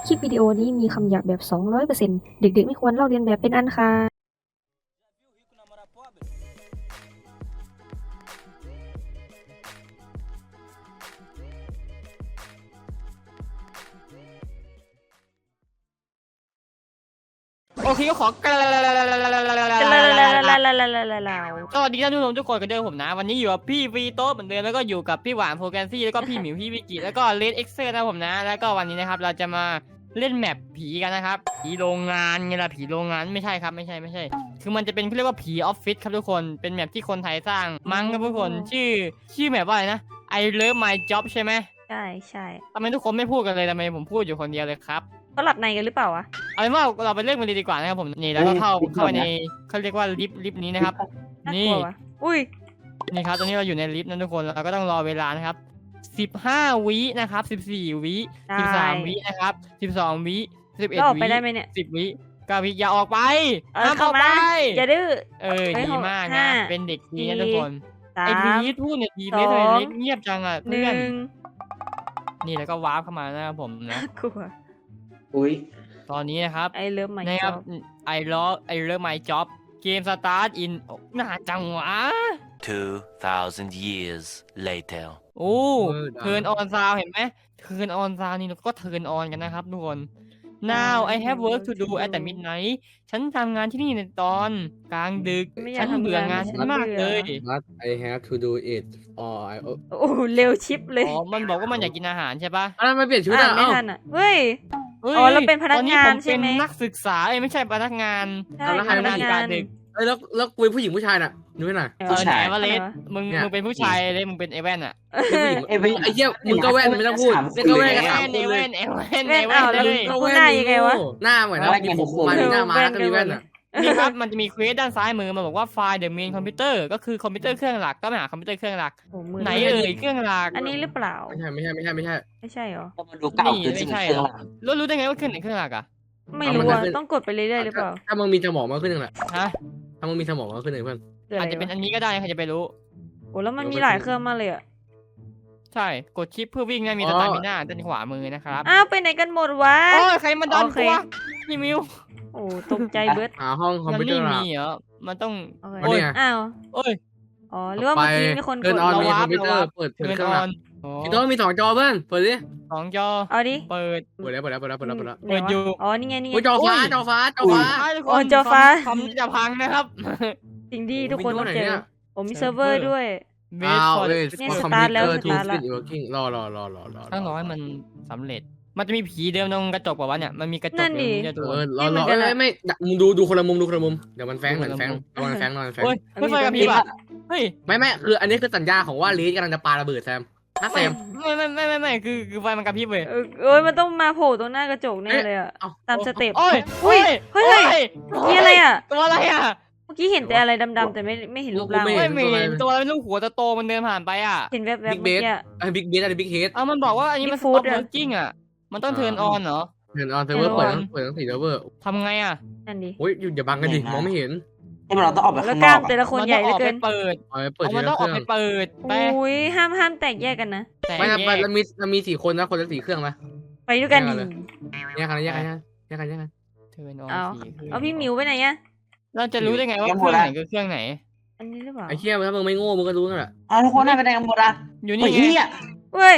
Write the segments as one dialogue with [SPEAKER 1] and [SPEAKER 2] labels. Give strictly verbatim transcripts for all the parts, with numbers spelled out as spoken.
[SPEAKER 1] คลิปวิดีโอนี้มีคำหยาบแบบ สองร้อยเปอร์เซ็นต์ เด็กๆไม่ควรลอกเลียนแบบเป็นอันขาด
[SPEAKER 2] โอเคก็ขอกล่าวสวัสดีท่านผู้ชมทุกคนกันด้วยผมนะวันนี้อยู่กับพี่วีโต้เหมือนเดิมแล้วก็อยู่กับพี่หวานโปรแกรมซี่แล้วก็พี่หมิวพี่วิกิแล้วก็เลดเอ็กเซอร์นะผมนะแล้วก็วันนี้นะครับเราจะมาเล่นแมปผีกันนะครับผีโรงงานไงล่ะผีโรงงานไม่ใช่ครับไม่ใช่ไม่ใช่คือมันจะเป็นเขาเรียกว่าผีออฟฟิศครับทุกคนเป็นแมปที่คนไทยสร้างมั้งครับทุกคนชื่อชื่อแมปว่าอะไรนะ I love my job ใช่ไหม
[SPEAKER 1] ใช่ใช่
[SPEAKER 2] ทำไมทุกคนไม่พูดกันเลยทำไมผมพูดอยู่คนเดียวเลยครับ
[SPEAKER 1] เขาหลับในกันหรือเปล่าวะ
[SPEAKER 2] เอาเป็นว่าเราไปเล่นมันเลยดีกว่านะครับผมนี่แล้วก็เข้าเข้าไปในเขาเรียกว่าลิฟต์ลิฟต์นี้นะครับนี่
[SPEAKER 1] อุ้ย
[SPEAKER 2] นี่ครับตอนนี้เราอยู่ในลิฟต์นะทุกคนเราก็ต้องรอเวลานะครับสิบห้าวินะครับสิบสี่วิสิบสามวินะครับสิบสองวิสิบเอ็ดวิสิบวิเก้าวิอย่าออกไปห้ามออกไป
[SPEAKER 1] อย่าดื้อ
[SPEAKER 2] เออดีมากนะเป็นเด็กดีนะทุกคนไอ้พีทพูดเนี่ยพีทเลยเล็กเงียบจังอ่ะเพื่อนนี่แล้วก็วาร์ปเข้ามานะครับผมนะ
[SPEAKER 1] กลัว
[SPEAKER 3] อุ้ย
[SPEAKER 2] ตอนนี้นะครับ
[SPEAKER 1] ไอเลิฟไม
[SPEAKER 2] จ็อบไอเลิฟไอเลิฟไมจ็อบเกมสตาร์ทอินนานจังวะ
[SPEAKER 4] two thousand years later
[SPEAKER 2] โอ้เทิร์นออนซาวเห็นไหมเทิร์นออนซาวนี่เราก็เทิร์นออนกันนะครับทุกคน now I have work to do at the midnight ฉันทำงานที่นี่ในตอนกลางดึกฉันเบื่องานฉันมากเลย
[SPEAKER 3] But I have to do it or I
[SPEAKER 1] โอ้เร็วชิปเลย
[SPEAKER 2] อ๋อมันบอกว่ามันอยากกินอาหารใช่ปะ
[SPEAKER 3] อะไรมาเปลี่ยนชุดอ่ะ
[SPEAKER 1] ไม่ทันอ่ะเฮ้ยอ๋อเราเป็นพนักงานใช่ไหม
[SPEAKER 2] นักศึกษาเอ้ไม่ใช่พนักงาน
[SPEAKER 1] ทำงานกลางดึก
[SPEAKER 3] เอ้ยแล้วแล้วกูเป็นผู้หญิงผู้ชายน่ะดูให้หน่อย
[SPEAKER 2] ผู้ชายวะเลสมึงมึงเป็นผู้ชายเลยมึงเป็นไอแว่นอ่ะ
[SPEAKER 3] ไอ้ไอ้เหี้ยมึงก็แว่นไม่ต้องพูดเล่นก็แว่นกันสามคนเลย
[SPEAKER 2] ไอแว่นไอแว่นไอแว่นเลย
[SPEAKER 1] หน้ายังไงวะ
[SPEAKER 3] หน้าเหมือนนะมีผมมาหน้าม้าก็มีแว่นอ่ะ
[SPEAKER 2] นี่ครับมันจะมีเควสด้านซ้ายมือมันบอกว่าไฟล์ the main computer ก็คือคอมพิวเตอร์เครื่องหลักก็ไปหาคอมพิวเตอร์เครื่องหลักไหนเอ่ยเครื่องหลัก
[SPEAKER 1] อันนี้หรือเปล่า
[SPEAKER 3] ไม่ใช่ไม่ใช่ไม่ใช่ไม่ใช่
[SPEAKER 1] ไม่ใช่หรอ
[SPEAKER 3] มันดูเก่าเกิน
[SPEAKER 2] ไม่ใช่หรอรู้รู้ได้ไงว่าเครื่องไหนเครื่องหลักอ่ะ
[SPEAKER 1] ไม่รู้อ่ะต้องกดไปเรื่อยๆหรือเปล่า
[SPEAKER 3] ถ้ามึงมีสมองมากขึ้นหนึ่งแหละ
[SPEAKER 2] ฮะ
[SPEAKER 3] ถ้ามึงมีสมองมากขึ้นหนึ่งเพื่อน
[SPEAKER 2] อาจจะเป็นอันนี้ก็ได้ใครจะไปรู้
[SPEAKER 1] โอ้แล้วมันมีหลายเครื่องมากเลยอ่ะ
[SPEAKER 2] ใช่กดชิปเพื่อวิ่งนะมีสตาร์มิน่าด้านขวามือนะครับ
[SPEAKER 1] อ้าวไปไหนกันหมดวะ
[SPEAKER 2] โอ้ยใครมาดันตัวพี่มิว
[SPEAKER 1] โอ้ตกใจเบิร์ด
[SPEAKER 3] หาห้องคอมพิวเตอร์
[SPEAKER 2] มันไม่มีเหรอมันต้อง
[SPEAKER 3] โอ้ย
[SPEAKER 1] อ้าว
[SPEAKER 2] โอ้ย
[SPEAKER 1] อ๋อหรือว่าเมื่อกี้มีคนกด
[SPEAKER 3] เราวาร์ปคอมพิวเตอร์เปิดเทิร์นออนพี่โต้มีสองจอเพื่อนเปิดดิ
[SPEAKER 2] สองจอ
[SPEAKER 1] เอาดิ
[SPEAKER 2] เปิด
[SPEAKER 3] เปิดแล้วเปิดแล้วเปิดแล้วเปิดแล้วเปิดแล้ว
[SPEAKER 2] เปิดอยู่
[SPEAKER 1] อ๋อนี่ไงนี่ไง
[SPEAKER 3] จอฟ้าจอฟ้าจอฟ้า
[SPEAKER 1] อ๋อจอฟ้า
[SPEAKER 2] คอมจะพังนะครับ
[SPEAKER 1] สิ่งที่ทุกคนต้องเจอผมมีเซิร์ฟเวอร์ด้วย
[SPEAKER 3] อ้าวเลย
[SPEAKER 1] สตาร์ทแล้วสตาร์ทแล้ว
[SPEAKER 3] รอรอรอรอรอ
[SPEAKER 2] ต้องรอให้มันสำเร็จมันจะมีผีเดิมตรงกระจกป่าวะเนี่ยมันมีกระจกเดิมเนี่ยตัว
[SPEAKER 3] เออรอรอไม่มึงดูดูคนละมุมดูคนละมุมเดี๋ยวมันแฝงเหมือนแฝงนอนแฝงนอนแฝง
[SPEAKER 2] เฮ้ยไม่ไฟกับผีป่ะเฮ้ย
[SPEAKER 3] ไม่ไม่คืออันนี้คือสัญญาของว่าลีดกำลังจะปาระเบิดแซมนะแซม
[SPEAKER 2] ไม่ไม่ไม่ไม่ไม่คือคือไฟมันกระพริบเลย
[SPEAKER 1] เอ้ยมันต้องมาโผล่ตรงหน้ากระจกแน่เลยอ่ะตามสเต็ป
[SPEAKER 2] โอ้ย
[SPEAKER 1] เฮ้ยเฮ้ยนี่อะไรอ่ะ
[SPEAKER 2] ตัวอะไรอ่ะ
[SPEAKER 1] เมื่อกี้เห็นแต่อะไรดำๆแต่ไม่ไม่เห็นรูปร่าง
[SPEAKER 2] ไม่เห็นตัวเป็นลูกหัวโตมันเดินผ่านไปอ่ะ
[SPEAKER 1] เห็นแวบๆเมื่อกี้
[SPEAKER 3] ไอ้บิ๊กเบสอะไรบิ๊กเฮด
[SPEAKER 2] เอามันบอกว่าอันนี้มัน stop working อ่ะมันต้องเทิร์นออนเหรอ
[SPEAKER 3] เทิร์นออนเซิร์ฟเวอร์เปิดเปิดทั้งสี่เซิร์ฟเวอร์
[SPEAKER 2] ทำไงอ่ะ
[SPEAKER 1] นั่นดิ
[SPEAKER 3] โอ้ยอย่าบังกันดิมองไม่เห็น
[SPEAKER 4] ไอ้เราต้องออกไปข้างนอก
[SPEAKER 1] แล้วกล้ามแต่ละคนใหญ่เหลือเกิน
[SPEAKER 2] เปิด
[SPEAKER 3] เปิด
[SPEAKER 2] มันต้องออกไปเปิด
[SPEAKER 1] ไปอุ้ยห้ามห้ามแตกแยกกันนะ
[SPEAKER 3] ไม่ครับเรามีเรามีสี่คนนะคนละสี่เครื่องไหม
[SPEAKER 1] ไปด้วยกัน
[SPEAKER 3] แยกกันแยกกันแยกกันแยกกัน
[SPEAKER 2] เทิร์นออน
[SPEAKER 1] สี่เอาพี่มิวไปไหนอ่ะ
[SPEAKER 2] เราจะรู้ได้ไงว่าเครื่องไหนคือเครื่องไหน
[SPEAKER 1] อันนี้หรือเปล่า
[SPEAKER 3] ไอ้เชี่ยถ้ามึงไม่โง่มึงก็รู้นั่นแหละ
[SPEAKER 4] อ้าวทุกคนได้ไปไหนกันหมดอ่ะ
[SPEAKER 2] อยู่นี่ไง
[SPEAKER 1] เว้ย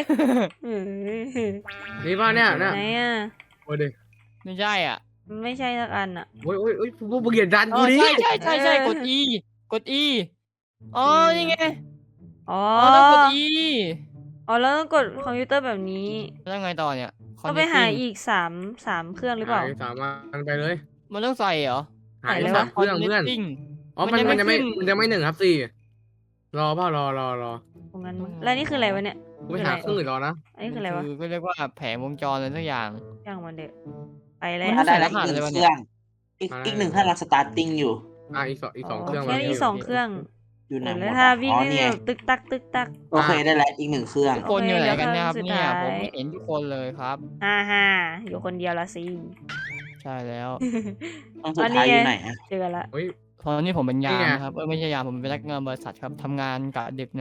[SPEAKER 3] นี่ป่ะเนี่ย
[SPEAKER 1] ไหนอ่ะ
[SPEAKER 3] โอ้ย
[SPEAKER 2] ไม่ใช่อ่ะ
[SPEAKER 1] ไม่ใช่สักอันอ่ะ
[SPEAKER 3] โอ้ยโอ้ยโอ้ยพวกมึงอย่าดันกูดิ
[SPEAKER 2] ใช่ใช่ใช่ใช่กด E กด E อ๋อนี่ไง
[SPEAKER 1] อ๋อ
[SPEAKER 2] ต้องกด E
[SPEAKER 1] อ๋อแล้วต้องกดคอมพิวเตอร์แบบนี้
[SPEAKER 2] แล้วไงต่อเนี่ย
[SPEAKER 1] ก็ไปหาอีกสามสามเครื่องหรือเปล่า
[SPEAKER 3] สามอันไปเลย
[SPEAKER 2] มันต้องใส่เหรอ
[SPEAKER 3] หายสามเครื่องเพื่อนอ๋อมันมันจะไม่มันจะไม่หนึ่งครับสี่รอพ่อรอรอรอ
[SPEAKER 1] ตรงนั้นแล้วนี่คืออะไรวะเนี่ย
[SPEAKER 3] ไม่หาเครื่องอื่นรอนะ
[SPEAKER 1] อันนี้คืออะไรวะ
[SPEAKER 2] ก็เรียกว่าแผงวงจรอะไรสักอย่าง
[SPEAKER 1] อย่างมันเด็กไปแล้ว
[SPEAKER 4] ได้แล้วอีกหนึ่งเครื่องอีกอีกหนึ่งเครื่องกำลังสตาร์ทติ้งอยู่
[SPEAKER 3] อ่าอีกสองอีกสองเครื่อง
[SPEAKER 1] แค่อีกสองเครื่อง
[SPEAKER 4] อยู่ไหน
[SPEAKER 1] แล้วถ้าวิ่งเนี่ยตึกตักตึกตัก
[SPEAKER 4] โอเคได้แล้วอีกหนึ่งเครื่อง
[SPEAKER 2] คนอยู่ไหนกันนะครับเนี่ยผมไม่เห็นทุกคนเลยครับ
[SPEAKER 1] ฮ่าฮ่าอยู่คนเดียวละสิ
[SPEAKER 2] ใช่แล้ว
[SPEAKER 4] ต้องสุดท้ายอยู่ไหนอ่ะ
[SPEAKER 1] เจอละ
[SPEAKER 2] ตอนนี้ผมเป็นยามนะครับเออไม่ใช่ยามผมเป็นพนักงานบริษัทครับทำงานกะดึกนะครับผ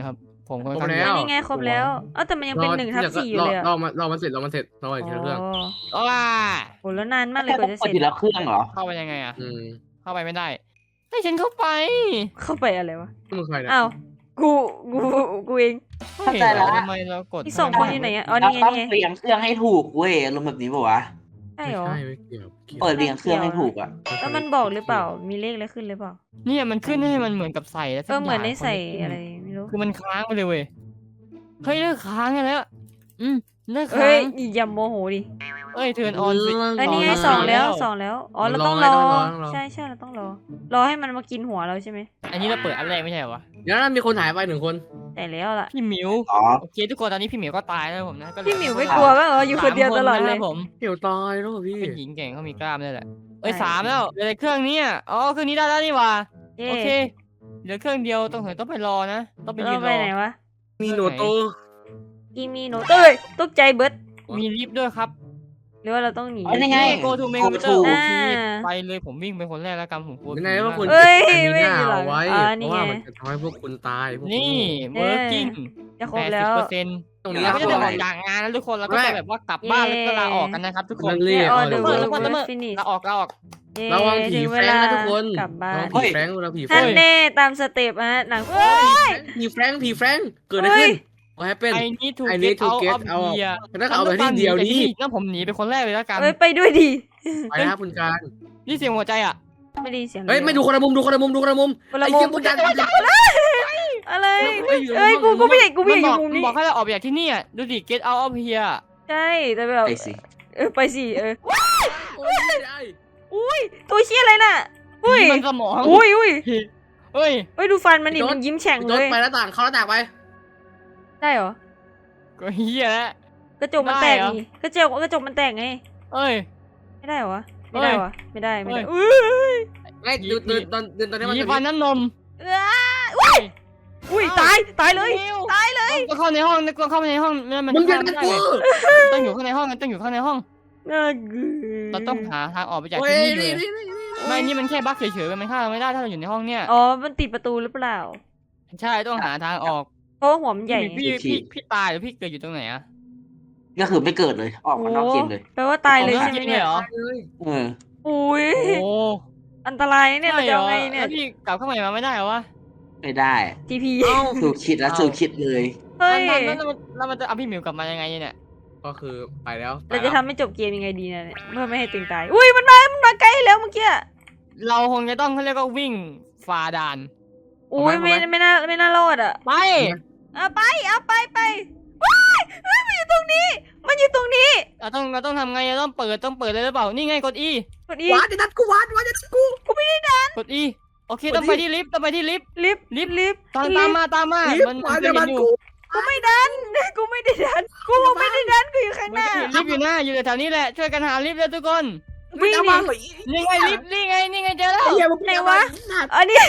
[SPEAKER 2] ผมค่อน
[SPEAKER 3] ครบ
[SPEAKER 2] ข้าง
[SPEAKER 3] แล้
[SPEAKER 2] เยว อะ
[SPEAKER 5] นี่ไงครบแล้วเอ้าแต่มันยังเป็นหนึ่งทับสี่อยู่เลยอะ
[SPEAKER 3] รอมันรอมันเสร็จรอมันเสร็จรออีกเครื่อง
[SPEAKER 5] อ๋อ
[SPEAKER 2] ว้า
[SPEAKER 5] โหแล้วนานมากเลย
[SPEAKER 4] แค่
[SPEAKER 5] ก
[SPEAKER 4] ต้อ
[SPEAKER 5] ว่าง จะ
[SPEAKER 4] ก
[SPEAKER 5] เส
[SPEAKER 4] ด
[SPEAKER 5] ร็จ
[SPEAKER 4] ทีละเครื่องเหรอ
[SPEAKER 2] เข้าไปยังไงอะ
[SPEAKER 3] อืม
[SPEAKER 2] เข้าไปไม่ได้ให้ฉันเข้าไป
[SPEAKER 5] เข้าไปอะไรวะ
[SPEAKER 3] มึงใครเนี่ย
[SPEAKER 5] อ้าวกูกูกูเอง
[SPEAKER 4] เข้าใจแล้ว
[SPEAKER 2] ทำไมเรากด
[SPEAKER 5] อีกสองคนอยู่ไหนอะอ๋อ
[SPEAKER 4] เรา
[SPEAKER 5] นี่ไง
[SPEAKER 4] ต้อง
[SPEAKER 5] นี่ไง
[SPEAKER 4] เรียงเครื่องให้ถูกเว้ยอารมณ์แบบนี้ป่าวะ
[SPEAKER 5] ใช่
[SPEAKER 3] ไม่
[SPEAKER 5] เหรอ
[SPEAKER 3] ใช่ไม่เกี่ยวกี่ยว
[SPEAKER 4] เปิดเรียงเครื่องให้ถูกอ่ะ
[SPEAKER 5] แล้วมันบอกหรือเปล่ามีเลขอะไรขึ้นหรือเปล่า
[SPEAKER 2] เนี่ยมันขึ้นให้มันเหมือนกับใส่แล้ว
[SPEAKER 5] เออเหมือนได้ใส่อะไรไม่รู้
[SPEAKER 2] คือมันค้างไปเลยเว้ยเฮ้ยเลิกค้างกันแล้ว อืมเลิกค้า
[SPEAKER 5] เฮ้ย
[SPEAKER 2] ง
[SPEAKER 5] อย่าโมโหดิ
[SPEAKER 2] เอ้ยเทิร์นออนสิ
[SPEAKER 5] เอ้ยนี่ไง
[SPEAKER 2] รอ
[SPEAKER 5] สองแล้ว
[SPEAKER 2] รอ
[SPEAKER 5] สองแล้วอ๋อเรา
[SPEAKER 3] รอ
[SPEAKER 5] ต้อง
[SPEAKER 3] ไง
[SPEAKER 5] รอ
[SPEAKER 3] ต้องรอต้องรอ
[SPEAKER 5] ใช่ใช่เราต้องรอ รอให้มันมากินหัวเราใช่ไหม
[SPEAKER 2] อันนี้เราเปิดอันแรกไม่ใช่เหรอวะ
[SPEAKER 3] เดี๋ยวนั้นมีคนหายไปหนึ่งคน
[SPEAKER 5] แต่แล้วล่ะ
[SPEAKER 2] พี่หมิว
[SPEAKER 4] อ๋อ
[SPEAKER 2] โอเคทุกคนตอนนี้พี่หมิวก็ตายแล้วผมนะก็เหลือ
[SPEAKER 5] พี่หมิวไม่กลัวบ้างเหรออยู่คนเดียวตลอดเลย
[SPEAKER 2] สามคนนะครับผม
[SPEAKER 3] เกี่ยวตายแล้วพี่
[SPEAKER 2] เป็นหญิงเก่งเขามีกล้ามด้วยแหละเอ้ย
[SPEAKER 5] ใช่
[SPEAKER 2] สามแล้วเหลือแต่เครื่องนี้อะอ๋อเครื่องนี้ได้แล้วนี่หว่า
[SPEAKER 5] เย้
[SPEAKER 2] โอเคเหลือเครื่องเดียวต้องเห็นต้องไปรอนะต้องไปยื
[SPEAKER 5] เรา
[SPEAKER 2] น
[SPEAKER 5] ไป
[SPEAKER 2] รอ
[SPEAKER 5] ไหนวะ
[SPEAKER 3] มีโนโต
[SPEAKER 5] กีมีโนเต้ยตกใจเบิร์ด
[SPEAKER 2] มีลิฟต์ด้วยครับ
[SPEAKER 5] หรือว่าเราต้องหนี
[SPEAKER 4] อ๋อนี่ไง
[SPEAKER 2] โกทูเม
[SPEAKER 4] Go
[SPEAKER 2] ก
[SPEAKER 4] to
[SPEAKER 2] โอ
[SPEAKER 5] อ่า
[SPEAKER 2] เคไปเลยผมวิ่งเป็นคนแรกแล้วกันผมกลัว
[SPEAKER 3] ยังไงว่าคุณ
[SPEAKER 5] เอ้ย
[SPEAKER 3] มีหน้า
[SPEAKER 5] ไม่มีหลัง
[SPEAKER 3] เอาไว้
[SPEAKER 5] อ่า
[SPEAKER 3] เพ
[SPEAKER 5] นี่
[SPEAKER 3] ราะ
[SPEAKER 5] ไง
[SPEAKER 3] ว่ามันจะทำให้พวกคุณตายพวกคุณ
[SPEAKER 2] นี่
[SPEAKER 5] เย้
[SPEAKER 2] เวิร์กิ้ง
[SPEAKER 5] จะคร
[SPEAKER 2] แป
[SPEAKER 5] บ
[SPEAKER 2] ด
[SPEAKER 5] แล้
[SPEAKER 2] สิบ
[SPEAKER 5] ว
[SPEAKER 2] เปอร์เซ็นต์
[SPEAKER 3] ตรงนี้
[SPEAKER 2] เราก็จะได้
[SPEAKER 3] คือ
[SPEAKER 2] อ
[SPEAKER 3] อะ
[SPEAKER 2] อก
[SPEAKER 3] ไร
[SPEAKER 2] จากงานแล้วทุกคนเราก็
[SPEAKER 3] แม่
[SPEAKER 2] จะแบบว่ากลับบ้านแล้วก็ลาออกกันนะครับทุกคน
[SPEAKER 3] นั่นเรียก
[SPEAKER 5] ออ
[SPEAKER 3] เอา
[SPEAKER 5] เด
[SPEAKER 3] เล
[SPEAKER 5] อย ร์
[SPEAKER 2] เอ
[SPEAKER 5] เวิ
[SPEAKER 2] อ
[SPEAKER 5] ร์
[SPEAKER 2] แล้วก็แล้วก็
[SPEAKER 5] ฟินิช
[SPEAKER 2] ลาออกลาออก
[SPEAKER 3] ระวังผีแฟรงค์นะทุกคน
[SPEAKER 5] กลับบ้า
[SPEAKER 3] ระ
[SPEAKER 5] น
[SPEAKER 3] วังผีแฟรงค์ระผีแฟร
[SPEAKER 5] ท่าน
[SPEAKER 3] งค์
[SPEAKER 5] แน่ตามสเต็ปฮะหนังเอ้ย
[SPEAKER 3] ผีแฟรงค์ผีแฟรงค์เกิดอะไรขึ้นว่าให้เป็น
[SPEAKER 2] ไอ้นี่ถูก
[SPEAKER 3] I
[SPEAKER 2] เก็
[SPEAKER 3] need
[SPEAKER 2] ต
[SPEAKER 3] to
[SPEAKER 2] เอา
[SPEAKER 3] get
[SPEAKER 2] เอา
[SPEAKER 3] out
[SPEAKER 2] เบีย
[SPEAKER 3] แล้วก็เอาไปที่เดียวนี้
[SPEAKER 2] งั้นผมหนีเป็นคนแรกเลยแล้วกัน
[SPEAKER 5] เอ้ยไปด้วยดิ
[SPEAKER 3] ไปนะคุณการ
[SPEAKER 2] นี่เสียงหัวใจอ่ะ
[SPEAKER 5] ไม่ได้ยินเสียงล
[SPEAKER 3] เฮ้ยไม่ดูคนละมุมดูคนละมุมดูคนละมุม
[SPEAKER 5] คนละ
[SPEAKER 3] ไอ้
[SPEAKER 5] มุ
[SPEAKER 3] เหี้ย
[SPEAKER 5] ม
[SPEAKER 3] คุณการ
[SPEAKER 5] อะไร
[SPEAKER 3] เฮ้ยอยู่
[SPEAKER 5] เอ้ยกูกูไม่อยากกูไม่
[SPEAKER 2] มั
[SPEAKER 5] อน ยาก
[SPEAKER 2] บ
[SPEAKER 5] อ
[SPEAKER 2] อยู่ ก
[SPEAKER 5] มุมนี้
[SPEAKER 2] บอกให้เราออกจากที่นี่อ่ะดูดิ get out of here
[SPEAKER 5] ใช่แต่แบบ
[SPEAKER 4] ไปสิ
[SPEAKER 5] เออไปสิเออ
[SPEAKER 3] โอ้ยไม่ได้
[SPEAKER 5] อุ้ยตัวเชี่ยอะไรน่ะอุ้ย
[SPEAKER 2] มันสมอง
[SPEAKER 5] อุ้ยอุ้ย
[SPEAKER 2] เฮ้ย
[SPEAKER 5] เฮ้ยดูฟันมันดิมันยิ้มแฉ่ง
[SPEAKER 3] พี่
[SPEAKER 5] เล
[SPEAKER 3] โต๊ด
[SPEAKER 5] ย
[SPEAKER 3] ไปหน้าต่างเข้าหน้าต่างไป
[SPEAKER 5] ได้เหรอ
[SPEAKER 2] ก็เฮียแล้ว
[SPEAKER 5] กระจกมันแตก
[SPEAKER 2] ได้เหรอ
[SPEAKER 5] นี่กระจกกระจกมันแตกไง
[SPEAKER 2] เอ้ย
[SPEAKER 5] ไม่ได้เหรอวะไม่ได้วะไม่ได้ไม่ได้
[SPEAKER 2] เฮ้
[SPEAKER 5] อุ้ย
[SPEAKER 3] ไอ้ดูดูตอนดูตอนนี้มัน
[SPEAKER 2] มี
[SPEAKER 3] จะ
[SPEAKER 2] ฟันน้ำนม
[SPEAKER 5] เอ้ยอุ้ยอุ้ยตายตายเลย ตายเลย
[SPEAKER 2] ก็เข้าในห้องก็เข้าไปในห้องนั่นมัน
[SPEAKER 3] มึงอย่า
[SPEAKER 2] ไม่
[SPEAKER 3] ดัน
[SPEAKER 2] ได้
[SPEAKER 3] กู
[SPEAKER 2] เลยต้องอยู่ข้างในห้องต้องอยู่ข้างในห้อง
[SPEAKER 5] น่าเกลือ
[SPEAKER 2] เราต้องหาทางออกไปจาก
[SPEAKER 3] โอ้ย
[SPEAKER 2] ที่นี่
[SPEAKER 3] นี่
[SPEAKER 2] เลย
[SPEAKER 3] นี่นี่
[SPEAKER 2] ไม่นี่มันแค่บั๊กเฉยๆมันฆ่าเราไม่ได้ถ้าเราอยู่ในห้องเนี่ย
[SPEAKER 5] อ๋อมันติดประตูหรือเปล่า
[SPEAKER 2] ใช่ต้องหาทางออก
[SPEAKER 5] เพราะว่าหัวมันใหญ่
[SPEAKER 2] พี่พี่พี่ตายหรือพี่เกิดอยู่ตรงไหนอะ
[SPEAKER 4] ก็คือไม่เกิดเลย ออก
[SPEAKER 5] โอ้
[SPEAKER 4] มานอกเกมเลย
[SPEAKER 5] แปลว่าตายเลย
[SPEAKER 2] ออก
[SPEAKER 5] ใช่
[SPEAKER 2] นอก
[SPEAKER 5] ไหม
[SPEAKER 2] เกมเล
[SPEAKER 5] เนี่ย ย
[SPEAKER 2] เหรอ
[SPEAKER 4] เออ
[SPEAKER 5] อุ้ย
[SPEAKER 2] โอ้
[SPEAKER 5] อันตรายเนี่ยเราจะเอาไงเนี่ย
[SPEAKER 2] แล้วพี่กลับเข้ามามาไม่ได้เหรอวะ
[SPEAKER 4] ไม่ได้
[SPEAKER 5] ทีพี
[SPEAKER 4] สูคิดแล้ว
[SPEAKER 2] เอา
[SPEAKER 4] สูคิดเลย
[SPEAKER 5] เฮ้ย
[SPEAKER 2] แล้วแล้วแล้วมันจะเอาพี่หมิวกลับมายังไงเนี่ย
[SPEAKER 3] ก็คือไปแล้ว
[SPEAKER 5] เราจะทำให้จบเกมยังไงดีเนี่ยเพื่อไม่ให้ตึงตายอุ้ยมันมามันมาใกล้แล้วเมื่อกี้
[SPEAKER 2] เราคงจะต้องเขาเรียกว่าวิ่งฝ่าด่าน
[SPEAKER 5] อุ้ยไม่ไม่น่าไม่น่ารอดอ่ะ
[SPEAKER 2] ไป
[SPEAKER 5] เอาไปเอาไปไปว้ายเฮ้ยมันอยู่ตรงนี้ มันอยู่ตรงนี้
[SPEAKER 2] เราต้องเราต้องทำไงเราต้องเปิดต้องเปิดเลยหรือเปล่านี่ไงกด E
[SPEAKER 5] กดอี
[SPEAKER 3] วาดจะนัดกูวาดวาดจะนัดกู
[SPEAKER 2] กด E โอเคต้องไปที่ลิฟต์ต้องไปที่ลิฟต์
[SPEAKER 5] ลิฟต์ลิฟต์ลิฟต์
[SPEAKER 2] ตามตามมาตามมา
[SPEAKER 3] รีบ
[SPEAKER 2] มัน
[SPEAKER 3] วาด
[SPEAKER 2] จะ
[SPEAKER 3] จะ
[SPEAKER 2] เห็
[SPEAKER 3] นั
[SPEAKER 2] น
[SPEAKER 3] ด
[SPEAKER 2] อยู่
[SPEAKER 3] กู
[SPEAKER 5] กูไม่ดันกูไม่ได้ดันกูไม่ได้ดันกูอยู่ข้างห
[SPEAKER 2] มัน
[SPEAKER 5] น้า
[SPEAKER 2] จะเห็นลิฟต์อยู่หน้าอยู่แถวนี้แหละช่วยกันหาลิฟต์เลยทุกคน
[SPEAKER 3] ไม่จะมาเหรอ
[SPEAKER 2] นี่ไงลิฟต์นี่ไงนี่ไงเจอแล้ว
[SPEAKER 3] ไอ้เหี้ยมึง
[SPEAKER 5] ไหนวะอันนี้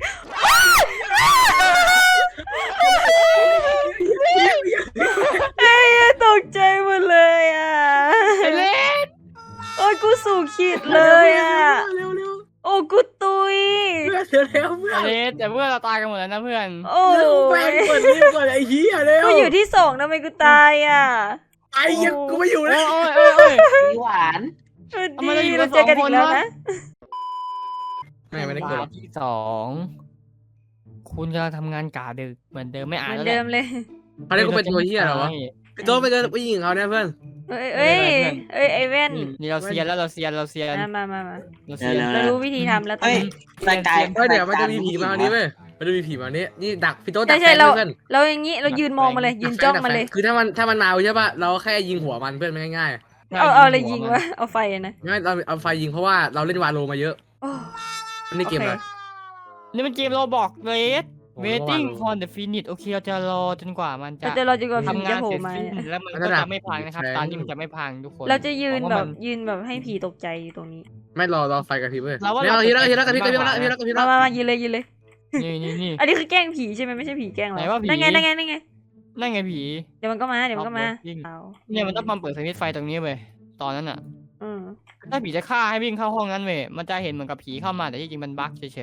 [SPEAKER 5] เอ้ยตกใจหมดเลยอ่ะ
[SPEAKER 2] ไอ้เล็ก
[SPEAKER 5] โอ้ยกูสู่ขีดเลยอ่ะ
[SPEAKER 3] เร็วเร็ว
[SPEAKER 5] โอ้กูตุย
[SPEAKER 3] เพื่อนเร็วเพื่อ
[SPEAKER 2] ไอ้
[SPEAKER 3] น
[SPEAKER 2] เล็กแต่เพื่อนเราตายกันหมดแล้วนะเพื่อน
[SPEAKER 5] โอ้
[SPEAKER 3] เร็วแป้ง
[SPEAKER 5] ย
[SPEAKER 3] เปิดรีบก่อนไอ้เหี้ยเร็ว
[SPEAKER 5] กูอยู่ที่สองทำไมกูตายอ่ะ
[SPEAKER 3] ไอ้เหี้ยกูไม่อยู่
[SPEAKER 2] โอ้
[SPEAKER 3] แล้ว
[SPEAKER 2] ยโอ้ยโอ้ยโอ้ย
[SPEAKER 4] มีหวาน
[SPEAKER 5] เออ
[SPEAKER 2] ทำไมเรา
[SPEAKER 5] ดี
[SPEAKER 2] อยู่กั
[SPEAKER 5] เรา
[SPEAKER 2] น
[SPEAKER 5] เจอกัน
[SPEAKER 2] สอง
[SPEAKER 5] อีกแล้ว
[SPEAKER 2] คนวะ
[SPEAKER 5] นะ
[SPEAKER 3] ไม่ไม่ได้เกิด
[SPEAKER 2] ตาที่สองคุณกำลังทำงานกาดึกเหมือนเดิมไม่
[SPEAKER 5] เห
[SPEAKER 2] อ่าน
[SPEAKER 5] มือน
[SPEAKER 2] แล้วแห
[SPEAKER 5] เดิ
[SPEAKER 2] ละ
[SPEAKER 5] มเลย
[SPEAKER 3] เขาเรียกว่าเป็นตัวเหี้ยเหรอวะพี่โต๊ดไปเจอผู้หญิงเขาเนี่ยเพื่อน
[SPEAKER 5] เอ้ยเอ้ยเอ้ยไอเว่น
[SPEAKER 2] นี่นี่เราเซียนแล้วเราเซียนเราเซียน
[SPEAKER 5] มามามามา
[SPEAKER 2] เราเซียน
[SPEAKER 4] เดี๋ยว
[SPEAKER 5] เรารู้วิธีทำแล้วตอน
[SPEAKER 4] เฮ้ย
[SPEAKER 5] นี้
[SPEAKER 4] รายการ
[SPEAKER 3] เฮ้ยเดี๋ยวมันจะมีผีมาวันนี้เว้ยมันจะมีผีมาวันนี้นี่ดักพี่โต๊ดดั
[SPEAKER 5] ใช่
[SPEAKER 3] ก
[SPEAKER 5] ใช่
[SPEAKER 3] แฟน
[SPEAKER 5] เรา
[SPEAKER 3] เพื่อน
[SPEAKER 5] เราอย่างนี้เรายืนมองมาเลยยืนจ้องมาเลย
[SPEAKER 3] คือถ้ามันถ้ามันมาใช่ป่ะเราแค่ยิงหัวมันเพื่อนไม่ง่าย
[SPEAKER 5] เอาเอาอะไรยิงวะเอาไฟอะนะ
[SPEAKER 3] ๆไม่เราเอาไฟยิงเพราะว่าเราเล่นวาโลมาเยอะ
[SPEAKER 5] โอ้
[SPEAKER 3] นี่เกมอะไร
[SPEAKER 2] นี่มันเกมเราบอกเลย
[SPEAKER 3] โอ้
[SPEAKER 2] waiting
[SPEAKER 3] ระวัง
[SPEAKER 2] for the finish โอเคเราจะรอจนกว่ามันจะ
[SPEAKER 5] เราจะรอจนกว่าผี
[SPEAKER 2] ทำงา
[SPEAKER 5] จะ
[SPEAKER 2] น
[SPEAKER 5] โผล่
[SPEAKER 2] เสร็จ
[SPEAKER 5] มา
[SPEAKER 2] สิ้น
[SPEAKER 5] เนี่ย
[SPEAKER 2] แล้วมัน
[SPEAKER 3] ระ
[SPEAKER 2] ก็
[SPEAKER 3] ดับ
[SPEAKER 2] จะไม่พังนะครับ
[SPEAKER 3] แรง
[SPEAKER 2] ตอนนี้มันจะไม่พังทุกคน
[SPEAKER 5] เราจะยืน
[SPEAKER 2] เพราะ
[SPEAKER 5] แบ
[SPEAKER 2] ว่า
[SPEAKER 5] บ
[SPEAKER 2] มัน
[SPEAKER 5] ยืนแบบให้ผีตกใจอยู่ตรงนี้
[SPEAKER 3] ไม่รอรอไฟกระพริบเลย
[SPEAKER 2] เราว่า
[SPEAKER 3] เนี่ย
[SPEAKER 2] เรา
[SPEAKER 3] เราทีละทีละกระพริบก
[SPEAKER 2] จะ
[SPEAKER 3] ระพริบแล้ว
[SPEAKER 2] ไป
[SPEAKER 3] ทีละกระพริบ
[SPEAKER 5] มา
[SPEAKER 3] แล้ว
[SPEAKER 5] มามายืนเลยยืนเลย
[SPEAKER 2] นี่นี่นี่
[SPEAKER 5] อันนี้คือแกล้งผีใช่ไหมไม่ใช่ผีแกล้งเรา
[SPEAKER 2] ไหนว่าผี
[SPEAKER 5] นั่นไงนั่นไงนั่นไง
[SPEAKER 2] นั่นไงผี
[SPEAKER 5] เดี๋ยวมันก็มาเดี๋ยวมันก็มา
[SPEAKER 2] Stop working
[SPEAKER 5] เอา
[SPEAKER 2] เนี่ยมันต้องมาเปิดสวิตช์ไฟตรงนี้เว้ยตอนนั้นอ่ะ
[SPEAKER 5] อืม
[SPEAKER 2] ถ้าผีจะฆ่าให้วิ่งเข้าห้องนั้นเว้ยมันจะเห็นเหมือนกับผีเข้ามาแต่ที่จริงมันบั๊กเฉย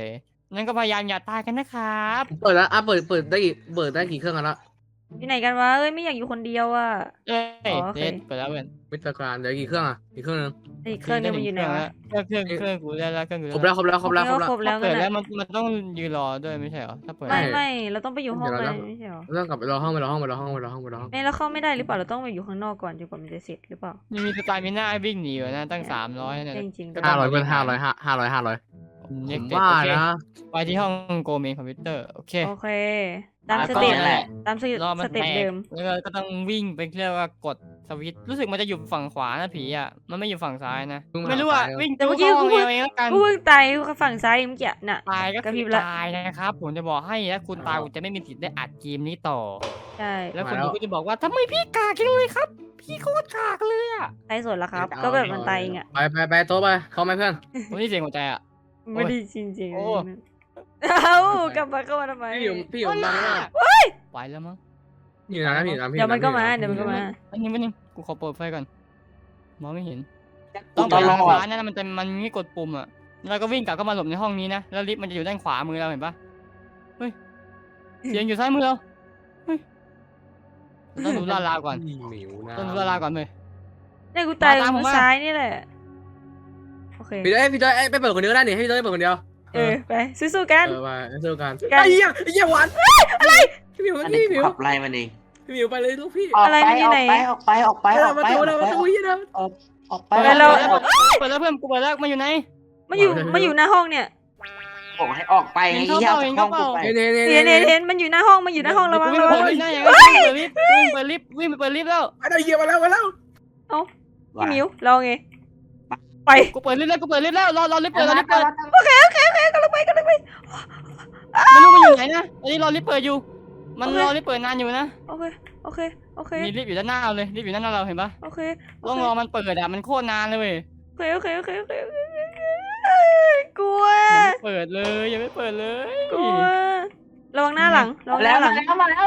[SPEAKER 2] นั่นก็พยายามอย่าตายกันนะครับ
[SPEAKER 3] เปิดแล้วอ่ะเปิดเปิดได้กี่เปิดได้กี่เครื่องกันละ
[SPEAKER 5] อยู่ไหนกันวะเอ้ยไม่อยากอยู่คนเดียวอ่ะ
[SPEAKER 2] เอ้ย
[SPEAKER 5] อ๋อโอเค
[SPEAKER 2] เด็ดไปแล้วเพื่อน
[SPEAKER 3] มิตรการเดี๋ยวกี่เครื่องอ่ะอีกเครื่องนึง
[SPEAKER 5] อีกเครื่องนึงมันอยู่ไหนวะ
[SPEAKER 2] เครื่องเครื่องเครื่องกูได้แล้วเครื่องกู
[SPEAKER 3] ครบแล้วครบแล้วครบแล้วครบแล้ว
[SPEAKER 5] ครบแล้ว
[SPEAKER 2] เปิ
[SPEAKER 5] กั
[SPEAKER 2] ด
[SPEAKER 5] น
[SPEAKER 2] แล้ว
[SPEAKER 5] อะ
[SPEAKER 2] มันมันต้องยืนรอด้วยไม่ใช่เหรอถ้าเปิด
[SPEAKER 5] ไม่ไม่เราต้องไปอยู่ห้องเลยไม่ใช่หรอ
[SPEAKER 3] เรื่องกลับไปรอห้องไปรอห้องไปรอห้องไปรอห้องไปรอห้อง
[SPEAKER 5] ไม่เราเข้าไม่ได้หรือเปล่าเราต้องไปอยู่ข้างนอกก่อนจนกว่ามันจะเสร็จหรือเปล่า
[SPEAKER 2] นี่มีสไตล์มีหน้าให้วิ่งหนีอยู่นะตั้งสามร้อยเนี่ย
[SPEAKER 5] จริงจริงๆ
[SPEAKER 2] ก็
[SPEAKER 3] ห้า
[SPEAKER 2] ต้
[SPEAKER 3] ร้
[SPEAKER 2] ง
[SPEAKER 3] อยเป็นห้าร้อยห้าห้าร้อยห้าร้อย
[SPEAKER 2] เน็ก
[SPEAKER 3] ผม
[SPEAKER 2] เต็ด
[SPEAKER 3] ว่า
[SPEAKER 2] โอเค
[SPEAKER 3] นะ
[SPEAKER 2] ไปที่ห้องโกเมนคอมพิวเตอร์โอเค
[SPEAKER 5] โอเค ตาม
[SPEAKER 2] อ่ะ
[SPEAKER 5] สเต็ป
[SPEAKER 2] ก็นั่นแหละ
[SPEAKER 5] ตามสเต็ป
[SPEAKER 2] รอมัน
[SPEAKER 5] สเต็ป
[SPEAKER 2] แตก
[SPEAKER 5] เดิม
[SPEAKER 2] แล้วก็ก็ต้องวิ่งไปเรียกว่ากดสวิตช์รู้สึกมันจะอยู่ฝั่งขวานะผีอ่ะมันไม่อยู่ฝั่งซ้ายนะไม่รู้อ่ะวิ่ง
[SPEAKER 5] แต่เมื่อกี้
[SPEAKER 2] ห้
[SPEAKER 5] กู
[SPEAKER 2] อง
[SPEAKER 5] เพิ่ง
[SPEAKER 2] เองแล้วกัน
[SPEAKER 5] กูเพิ่งตายฝั่งซ้ายเมื่อกี้น่ะ
[SPEAKER 2] ตายก็
[SPEAKER 5] กระพริ
[SPEAKER 2] คื
[SPEAKER 5] บ
[SPEAKER 2] อ
[SPEAKER 5] ละ
[SPEAKER 2] ตายนะครับผมจะบอกให้ถ้าคุณตายคุณจะไม่มีสิทธิ์ได้อัดเกมนี้ต่อ
[SPEAKER 5] ใช่
[SPEAKER 2] แล้วคนดูก็จะบอกว่าทำไมพี่กากจังเลยครับ พี่โคตรกากเลยอ่ะ
[SPEAKER 5] ใครสนละครับ ก็แบบมันตายเองอ่ะ
[SPEAKER 3] ไปไปไปโต๊ะไปเข้าไหมเพื่อน
[SPEAKER 2] ผมนี่เสียงหัวใจอ่ะ
[SPEAKER 5] ไม่ได้จริงจริงๆ
[SPEAKER 2] โอ้
[SPEAKER 5] เอ้ากลับมาเข้ามาทำไม
[SPEAKER 3] พี่อยู่พี่อยู่บ้านแล้ว
[SPEAKER 2] ไปแล้วมั้ง
[SPEAKER 3] พี่อยู่นะพี่อยู่นะพี่
[SPEAKER 5] เดี๋ยวมันก็มาเดี๋ยวมันก็มา
[SPEAKER 2] อันนี้ไม่นึงกูขอเปิดไฟก่อนมองไม่เห็น
[SPEAKER 4] กู
[SPEAKER 2] ต้อง
[SPEAKER 4] ต
[SPEAKER 2] ไป
[SPEAKER 4] ล
[SPEAKER 2] ทาง
[SPEAKER 4] อ
[SPEAKER 2] ข
[SPEAKER 4] ด
[SPEAKER 2] วานั่นนะมันจะมันมีกดปุ่มอ่ะแล้วก็วิ่งกลับเข้ามาหลบในห้องนี้นะแล้วลิฟต์มันจะอยู่ด้านขวามือเราเห็นปะเฮ้ยเสียงอยู่ซ้ายมือเราเฮ้ยต้องดูลาดราวก่อน
[SPEAKER 3] หมิวนะ
[SPEAKER 2] ต้องดูลาดราวก่อนเลย
[SPEAKER 5] เนี่ยกูตาย
[SPEAKER 2] มาตามผม
[SPEAKER 5] มือ
[SPEAKER 2] มา
[SPEAKER 5] ซ้ายนี่แหละโอเค
[SPEAKER 3] พี่เต้ยพี่เต้ยไปเปิดคนเดียวได้นี่ให้พี่เต้ยเปิดคนเดียว
[SPEAKER 5] เออไปสู้ๆกัน
[SPEAKER 3] เออไปสู้กัน
[SPEAKER 5] กัน
[SPEAKER 3] ไอ้เหี้ยไอ้เหี้ยหวานอะไรพี่หมิว
[SPEAKER 4] อัน
[SPEAKER 3] พี่
[SPEAKER 4] นี้
[SPEAKER 3] หมิว
[SPEAKER 4] ขับไล่มันเอง
[SPEAKER 3] พี่หมิวไปเลยลูกพี่
[SPEAKER 4] ออก
[SPEAKER 5] อะไร
[SPEAKER 4] ไป
[SPEAKER 5] มันอยู่
[SPEAKER 4] ออ
[SPEAKER 5] ไหน
[SPEAKER 4] กไปออกไปออกไปออก
[SPEAKER 3] มา
[SPEAKER 4] ไป
[SPEAKER 3] ตัว
[SPEAKER 4] อ
[SPEAKER 3] นะ
[SPEAKER 4] อก
[SPEAKER 3] มา
[SPEAKER 4] ไป
[SPEAKER 3] ตัวยี่นะ
[SPEAKER 4] ออกไป
[SPEAKER 5] ไปแล้ว
[SPEAKER 2] เปิดแล้วเพื่อนกูเปิดแล้วมันอยู่ไหน
[SPEAKER 5] มาอยู่มาอยู่หน้าห้องเนี่ย
[SPEAKER 4] บอกให้ออกไปไง
[SPEAKER 2] เห็น
[SPEAKER 4] เหี้ย
[SPEAKER 2] เข้า
[SPEAKER 4] เอา
[SPEAKER 2] เห็น
[SPEAKER 4] ห้อง
[SPEAKER 2] เข้า
[SPEAKER 4] กูไป
[SPEAKER 3] เน่เน่
[SPEAKER 5] เห็น
[SPEAKER 3] เน่
[SPEAKER 5] เห็นเห็นมันอยู่หน้าห้องมันอยู่หน้าห้องระวัง
[SPEAKER 2] วิ่ง
[SPEAKER 5] ระ
[SPEAKER 2] ไป
[SPEAKER 5] วัง
[SPEAKER 2] เปิดลิฟต์ได้ยังไงวิ่งไปลิฟต์วิ่งไปลิฟต์วิ่งไปเปิดลิฟต์แล้ว
[SPEAKER 3] ไปได้เหี้ยมาแล้วมาแล้ว
[SPEAKER 5] เอ้าพี่มิวเราไงไป
[SPEAKER 2] กูเปิดลิฟต์แล้วกูเปิดลิฟต์แล้วรอรอลิฟต์เปิดรอลิฟต์เปิด
[SPEAKER 5] โอเคโอเคโอเคกำลังไปกำลังไป
[SPEAKER 2] ไม่รู้มันอยู่ไหนนะอันนี้รอลิฟต์เปิดอยู่ มันรอลิฟต์เปิดนานอยู่นะ
[SPEAKER 5] โอเคโอเคโอเค
[SPEAKER 2] มีลิฟต์อยู่ด้านหน้าเราเลยลิฟต์อยู่ด้านหน้าเราเห็นปะ
[SPEAKER 5] โอเค
[SPEAKER 2] ต้องรอมันเปิดอะมันโคตรนานเลยเว้ย
[SPEAKER 5] โอเคโอเคโอเคโอเคโอเคกลัว
[SPEAKER 2] ยังไม่เปิดเลยยังไม่เปิดเลย
[SPEAKER 5] กลัวระวังหน้าหลังระวังห
[SPEAKER 4] แล้
[SPEAKER 5] น้าว หลั
[SPEAKER 4] มาง แล้วมาแล้ว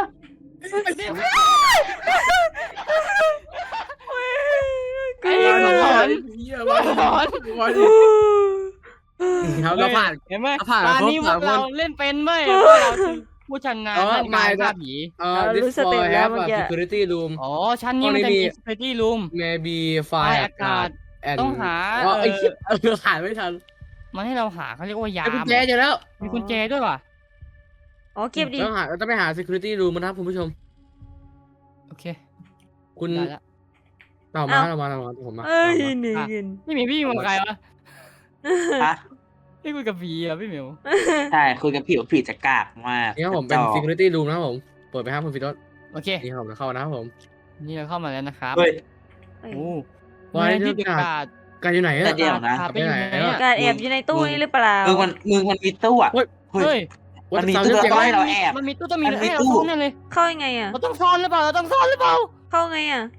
[SPEAKER 5] กลั
[SPEAKER 2] ไอ้
[SPEAKER 5] ว
[SPEAKER 2] มันหลอน
[SPEAKER 3] เหี้ยมา
[SPEAKER 2] หลอน
[SPEAKER 3] มาดิครับเราผ่าน
[SPEAKER 2] เห็นไหม
[SPEAKER 3] เราผ่าน
[SPEAKER 2] ตอนนี้พ
[SPEAKER 3] คร
[SPEAKER 2] ว
[SPEAKER 3] บ
[SPEAKER 2] กเรา
[SPEAKER 3] สามคน
[SPEAKER 2] เล่นเป็นเว้ยพวกเราคือผู้ชำนาญ
[SPEAKER 3] อ๋อ
[SPEAKER 2] ด้านการ
[SPEAKER 3] ไม่
[SPEAKER 2] ฆ่าผี
[SPEAKER 3] เอ่อ this floor have a security room
[SPEAKER 2] อ๋อชั้นนี้มันจะมี security room
[SPEAKER 3] maybe
[SPEAKER 2] ไฟ
[SPEAKER 3] fire
[SPEAKER 2] อากาศ
[SPEAKER 3] and
[SPEAKER 2] ต้องหา
[SPEAKER 3] อ๋อ
[SPEAKER 2] เอ่อ
[SPEAKER 3] ไอ้เหี้ยเออหาไม่ทัน
[SPEAKER 2] มันให้เราหาเขาเรียกว่ายา
[SPEAKER 3] ไอ้กุญ
[SPEAKER 2] ม
[SPEAKER 3] แจเจอแล้ว
[SPEAKER 2] มีกุญแจด้วยว่ะ
[SPEAKER 5] อ๋อเก็บดิ
[SPEAKER 3] ต้องหาเราต้องไปหา security room นะครับคุณผู้ชม
[SPEAKER 2] โอเค
[SPEAKER 3] คุณ
[SPEAKER 2] ได้ละ
[SPEAKER 3] เรามาเรามาเรามาผมมา
[SPEAKER 5] เอ้ย
[SPEAKER 3] เรามา
[SPEAKER 5] หนึ่งเงิน
[SPEAKER 2] นี่มีพี่อยู่กับใครวะ
[SPEAKER 4] ฮะ
[SPEAKER 2] พี่คุยกับผีอ่ะพี่เหมียว
[SPEAKER 4] ใช่คุยกับผิวผิวจะกากมาก
[SPEAKER 3] นี่ครับผมเป็น
[SPEAKER 4] จอ
[SPEAKER 3] security room นะครับผมเปิดไปครับคุณฟิโต้
[SPEAKER 2] โอเค
[SPEAKER 3] นี่ครับผมจะเข้านะครับผม
[SPEAKER 2] นี่เราเข้ามาแล้วนะครับ
[SPEAKER 4] เฮ้ย
[SPEAKER 5] เอ้ย
[SPEAKER 2] โอ้
[SPEAKER 3] ไว้
[SPEAKER 2] มีที่
[SPEAKER 3] เรื่
[SPEAKER 2] เก็
[SPEAKER 3] อบ ง
[SPEAKER 2] กาด
[SPEAKER 3] การอยู่ไหน
[SPEAKER 4] แต่
[SPEAKER 3] อะ
[SPEAKER 4] เดี๋ยวนะ
[SPEAKER 2] ขาไปอยู่ไหนอะ
[SPEAKER 5] การแอบอยู่ในตู้นี้หรือเปล่า
[SPEAKER 4] มึงมันมึงมันมีตู้อ่ะ
[SPEAKER 3] เฮ้ย
[SPEAKER 4] เฮ้ย
[SPEAKER 2] เฮ้ย
[SPEAKER 4] มันมี
[SPEAKER 3] ว่า
[SPEAKER 4] ตู้
[SPEAKER 3] จะ
[SPEAKER 4] แล้วก็
[SPEAKER 3] จำได้
[SPEAKER 4] ให้เราแอบ
[SPEAKER 2] มันมีตู้ต้องมี
[SPEAKER 4] มันมี
[SPEAKER 2] ให้เรา
[SPEAKER 4] ตู้
[SPEAKER 2] ซ่อนแน่เลย
[SPEAKER 5] เข้ายังไงอ่ะ
[SPEAKER 2] เราต้องซ่อนหรือเปล่าเราต้องซ่อนหรือเปล่า
[SPEAKER 5] เข้าไงอ่ะ